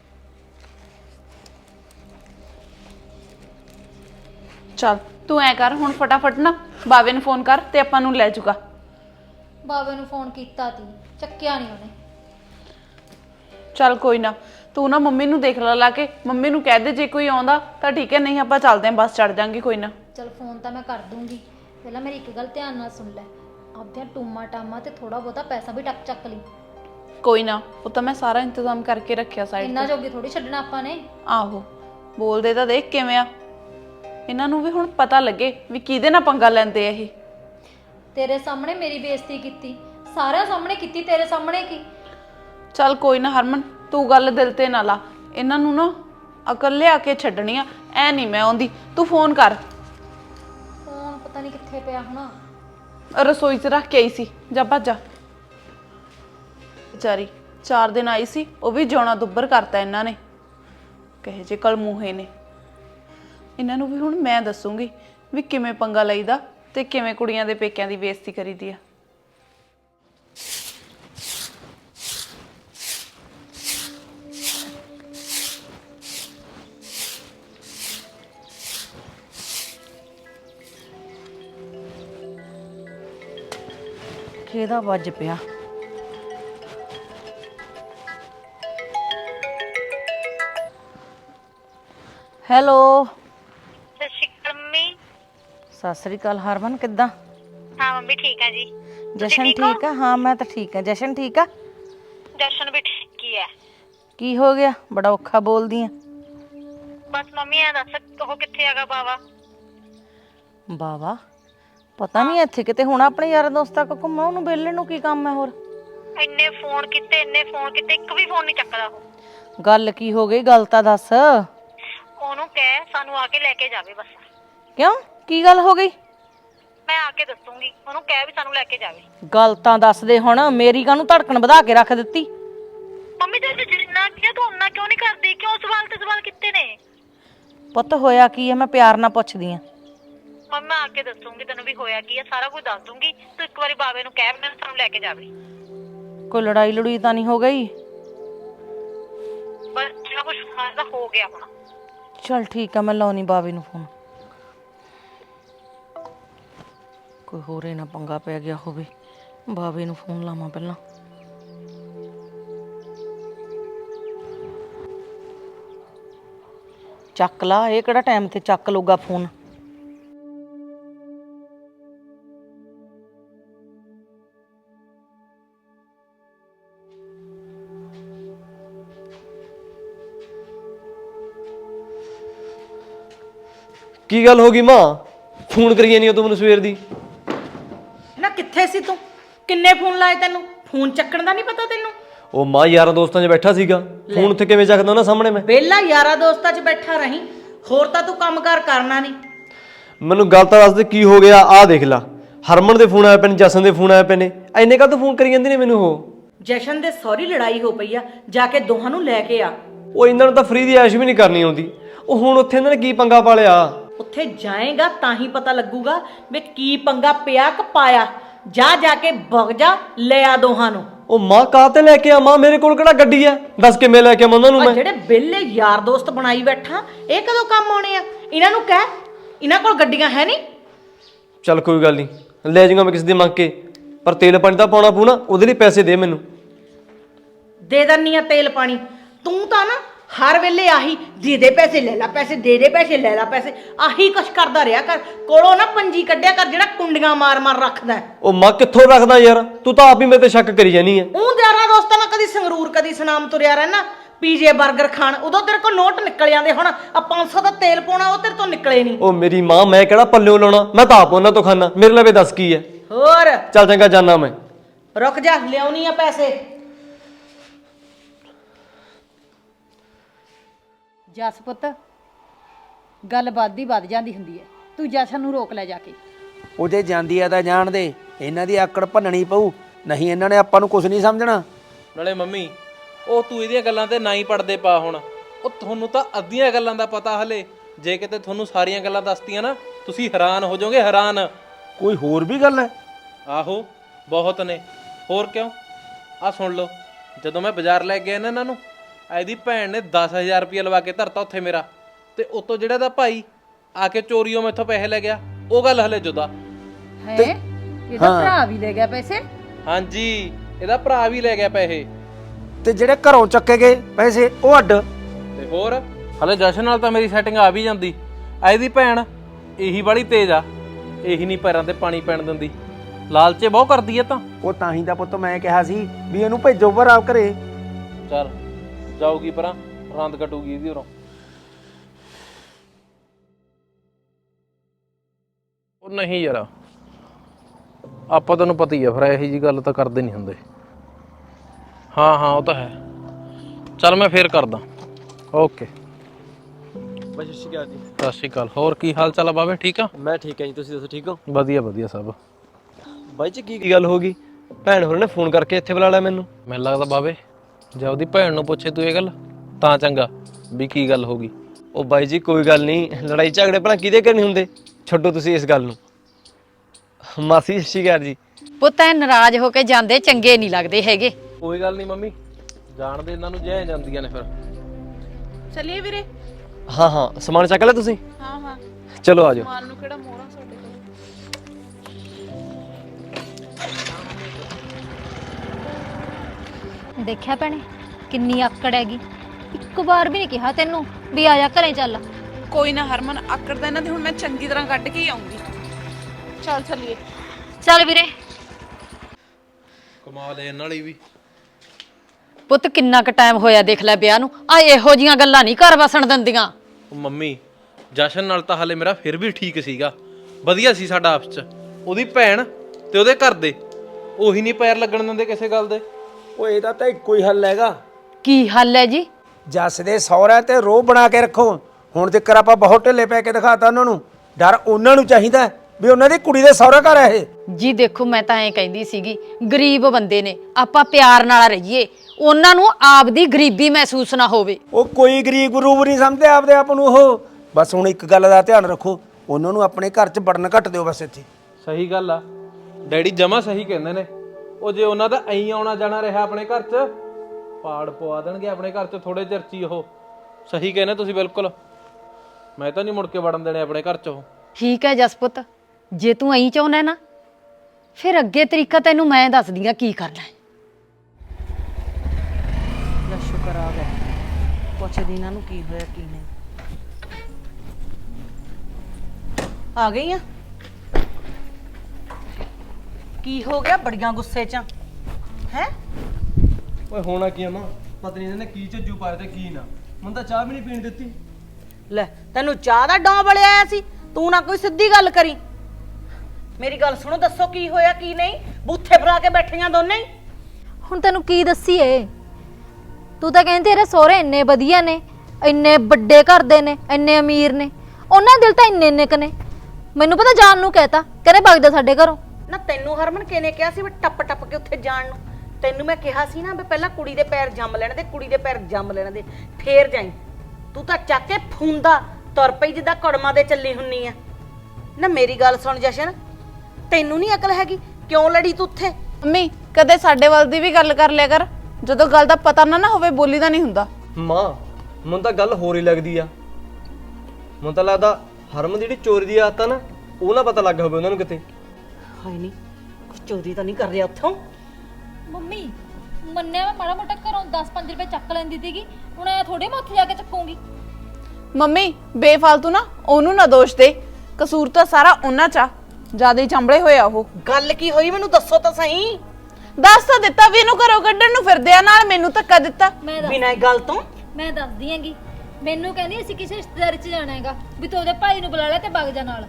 S1: ਚੱਲ ਤੂੰ ਐ ਕਰ, ਹੁਣ ਫਟਾਫਟ ਨਾ ਬਾਵੇ ਨੂੰ ਫੋਨ ਕਰ ਤੇ ਆਪਾਂ ਨੂੰ ਲੈ ਜਾਊਗਾ।
S6: ਬਾਵੇ ਨੂੰ ਫੋਨ ਕੀਤਾ ਤੀ, ਚੱਕਿਆ ਨਹੀਂ ਉਹਨੇ।
S1: ਚੱਲ ਕੋਈ ਨਾ, ਤੂੰ ਨਾ ਮੰਮੀ ਨੂੰ ਦੇਖ ਲਾ ਲਾ ਕੇ, ਮੰਮੀ ਨੂੰ ਕਹਿ ਦੇ ਜੇ ਕੋਈ ਆਉਂਦਾ ਤਾਂ ਠੀਕ ਹੈ, ਨਹੀਂ ਆਪਾਂ ਚੱਲਦੇ ਆਂ, ਬੱਸ ਚੜ ਜਾਾਂਗੇ। ਕੋਈ ਨਾ
S6: ਚਲ ਫੋਨ ਤਾਂ ਮੈਂ ਕਰ ਦੂੰਗੀ, ਪਹਿਲਾਂ ਮੇਰੀ ਇੱਕ ਗੱਲ ਧਿਆਨ ਨਾਲ ਸੁਣ ਲੈ। ਆਪਦੀਆਂ ਟੂਮਾ ਟਾਮਾ ਤੇ ਥੋੜਾ ਬਹੁਤਾ ਪੈਸਾ ਵੀ ਟੱਕ ਚੱਕ ਲਈ।
S1: ਕੋਈ ਨਾ, ਉਹ ਤਾਂ ਮੈਂ ਸਾਰਾ ਇੰਤਜ਼ਾਮ ਕਰਕੇ ਰੱਖਿਆ ਸਾਈਡ
S6: ਇੰਨਾ
S1: ਤੇ।
S6: ਜੋਗੀ ਥੋੜੀ ਛੱਡਣਾ ਆਪਾਂ ਨੇ।
S1: ਆਹੋ, ਬੋਲਦੇ ਤਾਂ ਦੇਖ ਕਿਵੇਂ ਆ। ਇਹਨਾਂ ਨੂੰ ਵੀ ਹੁਣ ਪਤਾ ਲੱਗੇ ਵੀ ਕਿਹਦੇ ਨਾਲ ਪੰਗਾ ਲੈਂਦੇ ਆ ਇਹ।
S6: ਤੇਰੇ ਸਾਹਮਣੇ ਮੇਰੀ ਬੇਇੱਜ਼ਤੀ ਕੀਤੀ, ਸਾਰਿਆਂ ਸਾਹਮਣੇ ਕੀਤੀ, ਤੇਰੇ ਸਾਹਮਣੇ ਕੀ?
S1: ਚੱਲ ਕੋਈ ਨਾ ਹਰਮਨ, ਤੂੰ ਗੱਲ ਦਿਲ ਤੇ ਨਾ ਲਾ। ਇਹਨਾਂ ਨੂੰ ਨਾ ਅਕਲ ਲਿਆ ਕੇ ਛੱਡਣੀ ਆ, ਐ ਨਹੀਂ ਮੈਂ ਆਉਂਦੀ। ਤੂੰ ਫੋਨ ਕਰ।
S6: ਫੋਨ ਪਤਾ ਨਹੀਂ ਕਿੱਥੇ ਪਿਆ ਹੋਣਾ।
S1: ਰਸੋਈ 'ਚ ਰੱਖ ਕੇ ਆਈ ਸੀ, ਜਾ ਭੱਜ ਜਾ। ਵਿਚਾਰੀ ਚਾਰ ਦਿਨ ਆਈ ਸੀ, ਉਹ ਵੀ ਜਿਉਣਾ ਦੁੱਬਰ ਕਰਤਾ ਇਹਨਾਂ ਨੇ। ਕਹੇ ਜੇ ਕਲ ਮੂਹੇ ਨੇ। ਇਹਨਾਂ ਨੂੰ ਵੀ ਹੁਣ ਮੈਂ ਦੱਸੂਗੀ ਵੀ ਕਿਵੇਂ ਪੰਗਾ ਲਈਦਾ ਤੇ ਕਿਵੇਂ ਕੁੜੀਆਂ ਦੇ ਪੇਕਿਆਂ ਦੀ ਬੇਇੱਜ਼ਤੀ ਕਰੀਦੀ ਆ।
S4: ਕਿਹਦਾ ਵੱਜ ਪਿਆ? ਹੈਲੋ।
S7: ਸਤਿ ਸ਼੍ਰੀ ਅਕਾਲ ਮੰਮੀ।
S4: ਸਤਿ ਸ੍ਰੀ ਅਕਾਲ ਹਰਮਨ, ਕਿੱਦਾਂ?
S7: ਹਾਂ ਮੰਮੀ ਠੀਕ ਆ ਜੀ।
S4: ਜਸ਼ਨ ਠੀਕ ਆ? ਹਾਂ ਮੈਂ ਤਾਂ ਠੀਕ ਆ। ਜਸ਼ਨ ਠੀਕ ਆ?
S7: ਜਸ਼ਨ ਵੀ ਠੀਕ ਹੀ ਹੈ।
S4: ਕੀ ਹੋ ਗਿਆ? ਬੜਾ ਔਖਾ ਬੋਲਦੀ ਆ।
S7: ਬਸ ਮੰਮੀ ਐ ਦੱਸ ਉਹ ਕਿੱਥੇ ਹੈਗਾ ਬਾਵਾ?
S4: ਬਾਵਾ ਪਤਾ ਨਹੀਂ ਇੱਥੇ ਕਿਤੇ ਹੁਣ ਆਪਣੇ ਯਾਰਾਂ ਦੋਸਤਾਂ ਕੋਲ ਘੁੰਮਾ। ਉਹਨੂੰ ਬੇਲੇ ਨੂੰ ਕੀ ਕੰਮ ਹੈ ਹੋਰ?
S7: ਇੰਨੇ ਫੋਨ ਕੀਤੇ ਇੰਨੇ ਫੋਨ ਕੀਤੇ ਇੱਕ ਵੀ ਫੋਨ ਨਹੀਂ ਚੱਕਦਾ ਉਹ।
S4: ਗੱਲ ਕੀ ਹੋ ਗਈ? ਗੱਲ ਤਾਂ ਦੱਸ।
S7: ਉਹਨੂੰ ਕਹਿ ਸਾਨੂੰ ਆ ਕੇ ਲੈ ਕੇ ਜਾਵੇ ਬਸ।
S4: ਕਿਉਂ? ਕੀ ਗੱਲ ਹੋ ਗਈ?
S7: ਮੈਂ ਆ ਕੇ ਦੱਸੂਗੀ ਉਹਨੂੰ, ਕਹਿ ਵੀ ਸਾਨੂੰ ਲੈ ਕੇ ਜਾਵੇ।
S4: ਗੱਲ ਤਾਂ ਦੱਸ ਦੇ ਹੁਣ। ਮੇਰੀ ਕਾਹਨੂੰ ਧੜਕਣ ਵਧਾ ਕੇ ਰੱਖ ਦਿੱਤੀ?
S7: ਮੰਮੀ ਤੇ ਜਿੰਨਾ ਕਿਹਾ ਤੂੰ ਉਹਨਾਂ ਕਿਉਂ ਨਹੀਂ ਕਰਦੀ? ਕਿਉਂ ਸਵਾਲ ਤੇ ਸਵਾਲ ਕੀਤੇ ਨੇ?
S4: ਪੁੱਤ ਹੋਇਆ ਕੀ ਹੈ? ਮੈਂ ਪਿਆਰ ਨਾਲ ਪੁੱਛਦੀ ਆ।
S7: ਮੰਮੀ ਮੈਂ ਆ ਕੇ ਦੱਸੂਗੀ ਤੈਨੂੰ ਵੀ ਹੋਇਆ ਕੀ ਹੈ, ਸਾਰਾ ਕੁਝ ਦੱਸ ਦੂੰਗੀ। ਤੂੰ ਇੱਕ ਵਾਰੀ ਬਾਵੇ ਨੂੰ ਕਹਿ ਵੀ ਮੈਨੂੰ ਸਾਨੂੰ ਲੈ ਕੇ ਜਾਵੇ।
S4: ਕੋਈ ਲੜਾਈ ਲੜੂਈ ਤਾਂ ਨਹੀਂ ਹੋ ਗਈ?
S7: ਬਸ ਜਿਹੜਾ ਕੁਝ ਹੋਣਾ ਤਾਂ ਹੋ ਗਿਆ ਹੁਣ।
S4: ਚਲ ਠੀਕ ਆ, ਮੈਂ ਲਾਉਣੀ ਬਾਵੇ ਨੂੰ ਫੋਨ। ਕੋਈ ਹੋਰ ਹੀ ਨਾ ਪੰਗਾ ਪੈ ਗਿਆ ਹੋਵੇ। ਬਾਵੇ ਨੂੰ ਫੋਨ ਲਾਵਾਂ ਪਹਿਲਾਂ। ਚੱਕ ਲਾ, ਇਹ ਕਿਹੜਾ ਟਾਈਮ ਤੇ ਚੱਕ ਲਊਗਾ ਫੋਨ।
S8: ਕੀ ਗੱਲ ਹੋ ਗਈ ਮਾਂ? ਫੋਨ ਕਰੀ ਜਾਨੀ ਤੂੰ ਮੈਨੂੰ ਸਵੇਰ ਦੀ।
S4: ਨਾ ਕਿੱਥੇ ਸੀ ਤੂੰ? ਕਿੰਨੇ ਫੋਨ ਲਾਏ ਤੈਨੂੰ? ਫੋਨ ਚੱਕਣ ਦਾ ਨਹੀਂ ਪਤਾ ਤੈਨੂੰ?
S8: ਉਹ ਮਾਂ ਯਾਰਾਂ ਦੋਸਤਾਂ 'ਚ ਬੈਠਾ ਸੀਗਾ, ਫੋਨ ਉੱਥੇ ਕਿਵੇਂ ਚੱਕਦਾ ਉਹਨਾਂ ਸਾਹਮਣੇ ਮੈਂ?
S4: ਵਿਹਲਾ ਯਾਰਾਂ ਦੋਸਤਾਂ 'ਚ ਬੈਠਾ ਰਹੀਂ, ਹੋਰ ਤਾਂ ਤੂੰ ਕੰਮਕਾਰ ਕਰਨਾ ਨਹੀਂ।
S8: ਮੈਨੂੰ ਗੱਲ ਤਾਂ ਦੱਸ ਦੇ ਕੀ ਹੋ ਗਿਆ? ਆਹ ਦੇਖ ਲਾ, ਹਰਮਨ ਦੇ ਫੋਨ ਆਏ ਪਏ ਨੇ, ਜਸਨ ਦੇ ਫੋਨ ਆਏ ਪਏ ਨੇ। ਐਨੇ ਕਾਹ ਤੋਂ ਫੋਨ ਕਰੀ ਜਾਂਦੇ ਨੇ ਮੈਨੂੰ ਉਹ?
S4: ਜਸ਼ਨ ਦੇ ਸਹੁਰੀ ਲੜਾਈ ਹੋ ਪਈ ਆ, ਜਾ ਕੇ ਦੋਹਾਂ ਨੂੰ ਲੈ ਕੇ ਆ।
S8: ਉਹ ਇਹਨਾਂ ਨੂੰ ਤਾਂ ਫ੍ਰੀ ਦੀ ਐਸ਼ ਵੀ ਨਹੀਂ ਕਰਨੀ ਆਉਂਦੀ। ਉਹ ਹੁਣ ਉੱਥੇ ਇਹਨਾਂ ਨੇ ਕੀ ਪੰਗਾ ਪਾ ਲਿਆ?
S4: ਉੱਥੇ ਜਾਏਗਾ ਤਾਂ ਹੀ ਪਤਾ ਲੱਗੂਗਾ ਵੀ ਕੀ ਪੰਗਾ ਪਿਆ ਕਿ ਪਾਇਆ। ਜਾ ਜਾ ਕੇ ਵਗ ਜਾ, ਲੈ ਆ ਦੋਹਾਂ ਨੂੰ।
S8: ਉਹ ਮਾਂ ਕਾਹ ਤੇ ਲੈ ਕੇ ਆ? ਮਾਂ ਮੇਰੇ ਕੋਲ ਕਿਹੜਾ ਗੱਡੀ ਆ? ਦੱਸ ਕਿਵੇਂ ਲੈ ਕੇ ਆਵਾਂ ਉਹਨਾਂ ਨੂੰ
S4: ਆ
S8: ਮੈਂ?
S4: ਜਿਹੜੇ ਵਿਹਲੇ ਯਾਰ ਦੋਸਤ ਬਣਾਈ ਬੈਠਾ, ਇਹ ਕਦੋਂ ਕੰਮ ਆਉਣੇ ਆ? ਇਹਨਾਂ ਨੂੰ ਕਹਿ, ਇਹਨਾਂ ਕੋਲ ਗੱਡੀਆਂ ਹੈ ਨਹੀਂ।
S8: ਚੱਲ ਕੋਈ ਗੱਲ ਨਹੀਂ, ਲੈ ਜਾਊਂਗਾ ਮੈਂ ਕਿਸੇ ਦੀ ਮੰਗ ਕੇ, ਪਰ ਤੇਲ ਪਾਣੀ ਤਾਂ ਪਾਉਣਾ ਪਊ ਨਾ, ਉਹਦੇ ਲਈ ਪੈਸੇ ਦੇ ਮੈਨੂੰ।
S4: ਦੇ ਦੰਨੀ ਆ ਤੇਲ ਪਾਣੀ। ਤੂੰ ਤਾਂ ਨਾ ਹਰ ਵੇਲੇ ਆਹੀ ਦੇ ਦੇ ਪੈਸੇ, ਲੈ ਲੈ ਪੈਸੇ, ਦੇ ਦੇ ਪੈਸੇ, ਲੈ ਲੈ ਪੈਸੇ, ਆਹੀ ਕੁਛ ਕਰਦਾ ਰਿਹਾ ਕਰ। ਕੋਲੋਂ ਨਾ ਪੰਜੀ ਕੱਢਿਆ ਕਰ ਜਿਹੜਾ ਕੁੰਡੀਆਂ ਮਾਰ ਮਾਰ ਰੱਖਦਾ।
S8: ਉਹ ਮਾਂ ਕਿੱਥੋਂ ਰੱਖਦਾ ਯਾਰ? ਤੂੰ ਤਾਂ ਆਪ ਹੀ ਮੇਰੇ ਤੇ ਸ਼ੱਕ ਕਰੀ ਜਾਨੀ ਆ।
S4: ਉਹ ਯਾਰਾਂ ਦੋਸਤਾਂ ਨਾਲ ਕਦੀ ਸੰਗਰੂਰ ਕਦੀ ਸੁਨਾਮ ਤੁਰਿਆ ਰਹਿਣਾ, ਪੀਜੇ 버ਗਰ ਖਾਣ। ਉਦੋਂ ਤੇਰੇ ਕੋਲ ਨੋਟ ਨਿਕਲ ਜਾਂਦੇ, ਹੁਣ ਆ ਪੰਜ ਸੌ ਦਾ ਤੇਲ ਪਾਉਣਾ ਉਹ ਤੇਰੇ ਤੋਂ ਨਿਕਲੇ ਨਹੀਂ।
S8: ਉਹ ਮੇਰੀ ਮਾਂ, ਮੈਂ ਕਿਹੜਾ ਪੱਲਿਓਂ ਲਾਉਣਾ? ਮੈਂ ਤਾਂ ਆਪ ਉਹਨਾਂ ਤੋਂ ਖਾਣਾ। ਮੇਰੇ ਲਵੇ ਦੱਸ ਕੀ ਹੈ?
S4: ਹੋਰ
S8: ਚੱਲ ਚੰਗਾ, ਜਾਨਾ ਮੈਂ।
S4: ਰੁਕ ਜਾ, ਲਿਆਉਣੀ ਆ ਪੈਸੇ।
S3: ਜਸ ਪੁੱਤ, ਗੱਲ ਵੱਧਦੀ ਵੱਧ ਜਾਂਦੀ ਹੁੰਦੀ ਹੈ। ਤੂੰ ਜਸ਼ਨ ਨੂੰ ਰੋਕ ਲੈ ਜਾ ਕੇ।
S5: ਉਹ ਜੇ ਜਾਂਦੀ ਆ ਤਾਂ ਜਾਣ ਦੇ, ਇਹਨਾਂ ਦੀ ਆਕੜ ਭੰਨਣੀ ਪਊ, ਨਹੀਂ ਇਹਨਾਂ ਨੇ ਆਪਾਂ ਨੂੰ ਕੁਝ ਨਹੀਂ ਸਮਝਣਾ।
S2: ਨਾਲੇ ਮੰਮੀ, ਉਹ ਤੂੰ ਇਹਦੀਆਂ ਗੱਲਾਂ ਤੇ ਨਾ ਹੀ ਪੜਦੇ ਪਾ ਹੁਣ। ਉਹ ਤੁਹਾਨੂੰ ਤਾਂ ਅੱਧੀਆਂ ਗੱਲਾਂ ਦਾ ਪਤਾ ਹਲੇ। ਜੇ ਕਿਤੇ ਤੁਹਾਨੂੰ ਸਾਰੀਆਂ ਗੱਲਾਂ ਦੱਸਤੀਆਂ ਨਾ, ਤੁਸੀਂ ਹੈਰਾਨ ਹੋ ਜਾਓਗੇ, ਹੈਰਾਨ।
S5: ਕੋਈ ਹੋਰ ਵੀ ਗੱਲ ਹੈ?
S2: ਆਹੋ ਬਹੁਤ ਨੇ। ਹੋਰ ਕਿਉਂ? ਆ ਸੁਣ ਲਓ, ਜਦੋਂ ਮੈਂ ਬਾਜ਼ਾਰ ਲੈ ਕੇ ਗਿਆ ਨਾ ਇਹਨਾਂ ਨੂੰ, ਇਹਦੀ ਭੈਣ ਨੇ ਦਸ ਹਜ਼ਾਰ ਰੁਪਇਆ ਲਵਾ ਕੇ ਧਰਤਾ ਉੱਥੇ ਮੇਰਾ, ਤੇ ਉਤੋਂ ਜਿਹੜਾ ਦਾ ਭਾਈ ਆ ਕੇ ਚੋਰੀਓ ਮੈਥੋਂ ਪੈਸੇ ਲੈ ਗਿਆ, ਉਹ ਗੱਲ ਹਲੇ ਜੁਦਾ
S3: ਹੈ। ਇਹਦਾ ਭਰਾ ਵੀ ਲੈ ਗਿਆ ਪੈਸੇ?
S2: ਹਾਂਜੀ, ਇਹਦਾ ਭਰਾ ਵੀ ਲੈ ਗਿਆ ਪੈਸੇ।
S5: ਤੇ ਜਿਹੜੇ ਘਰੋਂ ਚੱਕੇ ਗਏ ਪੈਸੇ ਉਹ ਅੱਡ।
S2: ਤੇ ਹੋਰ ਹਲੇ ਜਸ਼ਨ ਨਾਲ ਤਾਂ ਮੇਰੀ ਸੈਟਿੰਗ ਆ ਵੀ ਜਾਂਦੀ। ਇਹਦੀ ਭੈਣ ਇਹੀ ਬੜੀ ਤੇਜ਼ ਆ, ਇਹੀ ਨਹੀਂ ਪੈਰਾਂ ਤੇ ਪਾਣੀ ਪੈਣ ਦਿੰਦੀ, ਲਾਲਚੇ ਬਹੁਤ ਕਰਦੀ ਐ। ਤਾਂ
S5: ਉਹ ਤਾਂ ਹੀ ਦਾ ਪੁੱਤ ਮੈਂ ਕਿਹਾ ਸੀ ਵੀ ਇਹਨੂੰ ਭੇਜੋ ਭਰਾ ਘਰੇ।
S2: ਚੱਲ ਜਾਊਗੀ ਪਰਾਂ, ਰੰਦ ਕਟੂਗੀ ਇਹਦੀ ਉਰੋਂ। ਉਹ ਨਹੀਂ ਯਾਰ, ਆਪਾਂ ਤੈਨੂੰ ਪਤਾ ਹੀ ਆ, ਫਿਰ ਇਹੀ ਜੀ ਗੱਲ ਤਾਂ ਕਰਦੇ ਨਹੀਂ ਹੁੰਦੇ। ਹਾਂ ਹਾਂ ਉਹ ਤਾਂ ਹੈ। ਚੱਲ ਮੈਂ ਫੇਰ ਕਰਦਾ। ਓਕੇ
S8: ਬਾਈ ਸਤਿ ਸ਼੍ਰੀ ਅਕਾਲ ਜੀ।
S2: ਸਤਿ ਸ਼੍ਰੀ ਅਕਾਲ। ਹੋਰ ਕੀ ਹਾਲ ਚਾਲ ਆ ਬਾਬੇ? ਠੀਕ ਆ?
S8: ਮੈਂ ਠੀਕ ਹਾਂ ਜੀ, ਤੁਸੀਂ ਦੱਸੋ ਠੀਕ ਹੋ?
S2: ਵਧੀਆ ਵਧੀਆ ਸਭ।
S8: ਬਾਈ ਜੀ ਕੀ ਗੱਲ ਹੋ ਗਈ? ਭੈਣ ਹੋਰ ਨੇ ਫੋਨ ਕਰਕੇ ਇੱਥੇ ਬੁਲਾ ਲਿਆ ਮੈਨੂੰ।
S2: ਮੈਨੂੰ ਲੱਗਦਾ ਬਾਬੇ ਜੇ ਉਹਦੀ ਭੈਣ ਨੂੰ ਪੁੱਛੇ ਤੂੰ ਇਹ ਗੱਲ ਤਾਂ ਚੰਗਾ ਵੀ ਕੀ ਗੱਲ ਹੋ ਗਈ।
S8: ਉਹ ਬਾਈ ਜੀ ਕੋਈ ਗੱਲ ਨਹੀਂ, ਲੜਾਈ ਝਗੜੇ ਭਲਾ ਕਿਹਦੇ ਘਰ ਨਹੀਂ ਹੁੰਦੇ, ਛੱਡੋ ਤੁਸੀਂ ਇਸ ਗੱਲ ਨੂੰ। ਮਾਸੀ ਸਤਿ ਸ਼੍ਰੀ ਅਕਾਲ ਜੀ।
S3: ਪੁੱਤ ਐ ਨਾਰਾਜ਼ ਹੋ ਕੇ ਜਾਂਦੇ ਚੰਗੇ ਨਹੀਂ ਲੱਗਦੇ ਹੈਗੇ।
S2: ਕੋਈ ਗੱਲ ਨਹੀਂ ਮੰਮੀ, ਜਾਣਦੇ ਇਹਨਾਂ ਨੂੰ ਜੈ ਜਾਂਦੀਆਂ ਨੇ। ਫਿਰ
S1: ਚੱਲੀਏ ਵੀਰੇ।
S8: ਹਾਂ ਹਾਂ ਸਮਾਨ ਚੱਕ ਲਿਆ ਤੁਸੀਂ?
S1: ਹਾਂ ਹਾਂ,
S8: ਚਲੋ ਆ ਜਾਓ।
S1: ਮਾਲ ਨੂੰ ਕਿਹੜਾ ਮੋਹਰਾ ਸਾਡੇ ਕੋਲ।
S6: ਦੇਖਿਆ ਭੈਣੇ ਕਿੰਨੀ ਆਕੜ ਹੈਗੀ। ਇੱਕ ਵਾਰ ਵੀ ਨਹੀਂ ਕਿਹਾ ਤੈਨੂੰ ਵੀ ਆ ਜਾ ਘਰੇ ਚੱਲ।
S1: ਕੋਈ ਨਾ ਹਰਮਨ, ਆਕੜ ਤਾਂ ਇਹਨਾਂ ਦੀ ਹੁਣ ਮੈਂ ਚੰਗੀ ਤਰ੍ਹਾਂ ਕੱਢ ਕੇ ਹੀ ਆਉਂਗੀ। ਚੱਲ ਚੱਲੀਏ।
S6: ਚੱਲ ਵੀਰੇ।
S2: ਕਮਾਲ ਹੈ ਇਹਨਾਂ ਵਾਲੀ ਵੀ।
S3: ਪੁੱਤ ਕਿੰਨਾ ਕੁ ਟਾਈਮ ਹੋਇਆ ਦੇਖ ਲੈ ਵਿਆਹ ਨੂੰ, ਆ ਇਹੋ ਜੀਆਂ ਗੱਲਾਂ ਨਹੀਂ ਘਰ ਵਸਣ ਦਿੰਦੀਆਂ।
S2: ਉਹ ਮੰਮੀ ਜਸ਼ਨ ਨਾਲ ਤਾਂ ਹਾਲੇ ਮੇਰਾ ਫਿਰ ਵੀ ਠੀਕ ਸੀਗਾ, ਵਧੀਆ ਸੀ ਸਾਡਾ ਆਪਸ 'ਚ। ਉਹਦੀ ਭੈਣ ਤੇ ਉਹਦੇ ਘਰ ਦੇ ਉਹੀ ਨਹੀਂ ਪੈਰ ਲੱਗਣ ਦਿੰਦੇ ਕਿਸੇ ਗੱਲ ਦੇ।
S5: ਉਹ ਇਹਦਾ ਤਾਂ ਇੱਕੋ ਹੀ ਹੱਲ ਹੈਗਾ,
S3: ਕੀ ਹੱਲ ਹੈ ਜੀ?
S5: ਜੱਸ ਦੇ ਸਹੁਰਾ ਤੇ ਰੋਹ ਬਣਾ ਕੇ ਰੱਖੋ। ਹੁਣ ਤੱਕ ਆਪਾਂ ਬਹੁਤ ਢਿੱਲੇ ਪੈ ਕੇ ਦਿਖਾਤਾ ਉਹਨਾਂ ਨੂੰ, ਡਰ ਉਹਨਾਂ ਨੂੰ ਚਾਹੀਦਾ ਵੀ ਉਹਨਾਂ ਦੀ ਕੁੜੀ ਦੇ ਸਹੁਰਾ ਘਰ ਹੈ ਇਹ।
S3: ਜੀ ਦੇਖੋ ਮੈਂ ਤਾਂ ਐਂ ਕਹਿੰਦੀ ਸੀਗੀ, ਗਰੀਬ ਬੰਦੇ ਨੇ, ਆਪਾਂ ਪਿਆਰ ਨਾਲ ਰਹੀਏ, ਉਹਨਾਂ ਨੂੰ ਆਪਦੀ ਗਰੀਬੀ ਮਹਿਸੂਸ ਨਾ ਹੋਵੇ।
S5: ਉਹ ਕੋਈ ਗਰੀਬ ਗਰੂਬ ਨਹੀਂ ਸਮਝਦੇ ਆਪਦੇ ਆਪ ਨੂੰ ਉਹ। ਬਸ ਹੁਣ ਇੱਕ ਗੱਲ ਦਾ ਧਿਆਨ ਰੱਖੋ, ਉਹਨਾਂ ਨੂੰ ਆਪਣੇ ਘਰ 'ਚ ਵੜਨ ਘੱਟ ਦਿਓ ਬਸ ਇੱਥੇ।
S2: ਸਹੀ ਗੱਲ ਆ, ਡੈਡੀ ਜਮਾ ਸਹੀ ਕਹਿੰਦੇ ਨੇ। ਉਹ ਜੇ ਉਹਨਾਂ ਦਾ ਐਂ ਆਉਣਾ ਜਾਣਾ ਰਿਹਾ ਆਪਣੇ ਘਰ 'ਚ, ਪਾੜ ਪਵਾ ਦੇਣਗੇ ਆਪਣੇ ਘਰ 'ਚ ਥੋੜੇ ਚਿਰ 'ਚ ਹੀ। ਉਹ ਸਹੀ ਕਹਿੰਦੇ ਤੁਸੀਂ ਬਿਲਕੁਲ, ਮੈਂ ਤਾਂ ਨਹੀਂ ਮੁੜ ਕੇ ਵੜਨ ਦੇਣੇ ਆਪਣੇ ਘਰ 'ਚ ਉਹ।
S3: ਠੀਕ ਹੈ ਜਸਪੁੱਤ, ਜੇ ਤੂੰ ਐਂ ਚਾਹੁੰਦਾ ਨਾ, ਫਿਰ ਅੱਗੇ ਤਰੀਕਾ ਤੈਨੂੰ ਮੈਂ ਦੱਸਦੀ ਆ ਕੀ ਕਰਨਾ ਹੈ।
S4: ਲੈ ਸ਼ੁਕਰ ਆ ਗਿਆ, ਪੁੱਛਦੀ ਇਹਨਾਂ ਨੂੰ ਕੀ ਹੋਇਆ ਕੀ ਨਹੀਂ। ਆ ਗਈ ਆ? ਕੀ ਹੋ ਗਿਆ ਬੜੀਆਂ ਗੁੱਸੇ 'ਚ ਹੈ?
S8: ਓਏ ਹੋਣਾ ਕੀ ਆ ਮਾਂ, ਪਤਾ ਨਹੀਂ ਇਹਨੇ ਕੀ ਝੱਜੂ ਪਾਇਆ ਤੇ ਕੀ ਨਾ, ਮੈਨੂੰ ਤਾਂ ਚਾਹ ਵੀ ਨਹੀਂ ਪੀਣ ਦਿੱਤੀ।
S4: ਲੈ ਤੈਨੂੰ ਚਾਹ ਦਾ ਡੌਂ ਬਲਿਆ ਆਇਆ ਸੀ, ਤੂੰ ਨਾ ਕੋਈ ਸਿੱਧੀ ਗੱਲ ਕਰੀ। ਮੇਰੀ ਗੱਲ ਸੁਣੋ, ਦੱਸੋ ਕੀ ਹੋਇਆ ਕੀ ਨਹੀਂ? ਬੂਥੇ ਫਰਾ ਕੇ ਬੈਠੀਆਂ ਦੋਨੇ ਹੀ।
S6: ਹੁਣ ਤੈਨੂੰ ਕੀ ਦੱਸੀਏ, ਤੂੰ ਤਾਂ ਕਹਿੰਦੀ ਤੇਰੇ ਸਹੁਰੇ ਇੰਨੇ ਵਧੀਆ ਨੇ, ਇੰਨੇ ਵੱਡੇ ਘਰ ਦੇ ਨੇ, ਇੰਨੇ ਅਮੀਰ ਨੇ, ਉਹਨਾਂ ਦੇ ਦਿਲ ਤਾਂ ਇੰਨੇ ਇੰਨੇ ਕ ਨੇ। ਮੈਨੂੰ ਪਤਾ ਜਾਣ ਨੂੰ ਕਹਿਤਾ, ਕਹਿੰਦੇ ਭੱਜ ਜਾ ਸਾਡੇ ਘਰੋਂ।
S4: ਨਾ ਤੈਨੂੰ ਹਰਮਨ ਕਿਹਨੇ ਕਿਹਾ ਸੀ ਵੀ ਟੱਪ ਟੱਪ ਕੇ ਉੱਥੇ ਜਾਣ ਨੂੰ? ਤੈਨੂੰ ਮੈਂ ਕਿਹਾ ਸੀ ਨਾ ਵੀ ਪਹਿਲਾਂ ਕੁੜੀ ਦੇ ਪੈਰ ਜੰਮ ਲੈਣ ਦੇ, ਕੁੜੀ ਦੇ ਪੈਰ ਜੰਮ ਲੈਣ ਦੇ, ਫੇਰ ਜਾਈ। ਤੂੰ ਤਾਂ ਚੱਕ ਕੇ ਫੂੰਦਾ ਤੁਰ ਪਈ ਜਿੱਦਾਂ ਕੜਮਾਂ ਦੇ ਚੱਲੀ ਹੁੰਨੀ ਆ। ਨਾ ਮੇਰੀ ਗੱਲ ਸੁਣ ਜਸ਼ਨ, ਤੈਨੂੰ ਨਹੀਂ ਅਕਲ ਹੈਗੀ? ਕਿਉਂ ਲੜੀ ਤੂੰ ਉੱਥੇ?
S1: ਮੰਮੀ ਕਦੇ ਸਾਡੇ ਵੱਲ ਦੀ ਵੀ ਗੱਲ ਕਰ ਲਿਆ ਕਰ, ਜਦੋਂ ਗੱਲ ਦਾ ਪਤਾ ਨਾ ਨਾ ਹੋਵੇ ਬੋਲੀ ਦਾ ਨਹੀਂ ਹੁੰਦਾ।
S8: ਮਾਂ ਮੈਨੂੰ ਤਾਂ ਗੱਲ ਹੋਰ ਹੀ ਲੱਗਦੀ ਆ, ਮੈਨੂੰ ਤਾਂ ਲੱਗਦਾ ਹਰਮਨ ਦੀ ਜਿਹੜੀ ਚੋਰੀ ਦੀ ਆਦਤ ਆ ਨਾ, ਉਹ ਨਾ ਪਤਾ ਲੱਗ ਹੋਵੇ ਉਹਨਾਂ ਨੂੰ ਕਿਤੇ।
S4: ਹਾਏ ਨਹੀਂ, ਕੁਛ ਚੋਰੀ ਤਾਂ ਨਹੀਂ ਕਰ ਰਿਹਾ ਉੱਥੋਂ?
S6: ਮੰਮੀ ਮੰਨਿਆ ਮੈਂ ਮਾੜਾ ਮੋਟਾ ਘਰੋਂ ਦਸ ਪੰਜ ਰੁਪਏ ਚੱਕ ਲੈਂਦੀ ਸੀਗੀ, ਹੁਣ ਐ ਥੋੜੇ ਮੈਂ ਉੱਥੇ ਜਾ ਕੇ ਚੱਕੂਗੀ।
S1: ਮੰਮੀ ਬੇਫਾਲਤੂ ਨਾ ਉਹਨੂੰ ਨਾ ਦੋਸ਼ ਦੇ, ਕਸੂਰ ਤਾਂ ਸਾਰਾ ਉਹਨਾਂ 'ਚ ਆ, ਜਿਆਦਾ ਹੀ ਚੰਬੜੇ ਹੋਏ ਆ ਉਹ।
S4: ਗੱਲ ਕੀ ਹੋਈ ਮੈਨੂੰ ਦੱਸੋ ਤਾਂ ਸਹੀ।
S1: ਦੱਸ ਤਾਂ ਦਿੱਤਾ ਵੀ ਇਹਨੂੰ ਘਰੋਂ ਕੱਢਣ ਨੂੰ ਫਿਰਦੇ ਆ, ਨਾਲ ਮੈਨੂੰ ਧੱਕਾ ਦਿੱਤਾ।
S6: ਮੈਂ ਦੱਸ
S4: ਬਿਨਾਂ ਇਹ ਗੱਲ ਤੋਂ
S6: ਮੈਂ ਦੱਸਦੀ ਆਂਗੀ, ਮੈਨੂੰ ਕਹਿੰਦੀ ਅਸੀਂ ਕਿਸੇ ਰਿਸ਼ਤੇਦਾਰੀ 'ਚ ਜਾਣਾ ਹੈਗਾ, ਵੀ ਤੂੰ ਉਹਦੇ ਭਾਈ ਨੂੰ ਬੁਲਾ ਲੈ ਤੇ ਵਗ ਜਾ ਨਾਲ।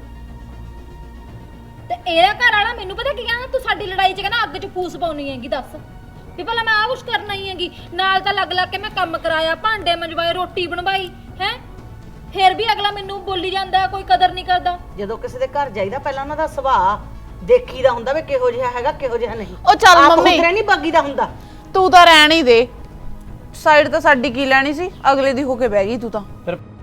S6: ਤੇ ਇਹਦਾ ਘਰ ਵਾਲਾ ਮੈਨੂੰ ਪਤਾ ਕੀ ਕਹਿੰਦਾ, ਤੂੰ ਸਾਡੀ ਲੜਾਈ 'ਚ ਕਹਿੰਦਾ ਅੱਗ 'ਚ ਫੂਸ ਪਾਉਣੀ ਹੈਗੀ। ਦੱਸ ਵੀ ਭਲਾ ਮੈਂ ਆਹ ਕੁਛ ਕਰਨਾ ਹੀ ਹੈਗੀ? ਨਾਲ ਤਾਂ ਲੱਗ ਲੱਗ ਕੇ ਮੈਂ ਕੰਮ ਕਰਾਇਆ, ਭਾਂਡੇ ਮੰਜਵਾਏ, ਰੋਟੀ ਬਣਵਾਈ ਹੈ, ਫਿਰ ਵੀ ਅਗਲਾ ਮੈਨੂੰ ਬੋਲੀ ਜਾਂਦਾ, ਕੋਈ ਕਦਰ ਨਹੀਂ ਕਰਦਾ।
S4: ਜਦੋਂ ਕਿਸੇ ਦੇ ਘਰ ਜਾਈਦਾ ਪਹਿਲਾਂ ਉਹਨਾਂ ਦਾ ਸੁਭਾਅ ਦੇਖੀਦਾ ਹੁੰਦਾ ਵੀ ਕਿਹੋ ਜਿਹਾ ਹੈਗਾ ਕਿਹੋ ਜਿਹਾ ਨਹੀਂ।
S1: ਉਹ ਚੱਲ ਮੰਮੀ,
S4: ਨਹੀਂ ਬਾਗੀਦਾ ਹੁੰਦਾ।
S1: ਤੂੰ ਤਾਂ ਰਹਿਣ ਹੀ ਦੇ, ਸਾਈਡ ਤਾਂ ਸਾਡੀ ਕੀ ਲੈਣੀ ਸੀ, ਅਗਲੇ ਦੀ ਹੋ ਕੇ ਬਹਿ ਗਈ ਤੂੰ ਤਾਂ।
S2: ਫਿਰ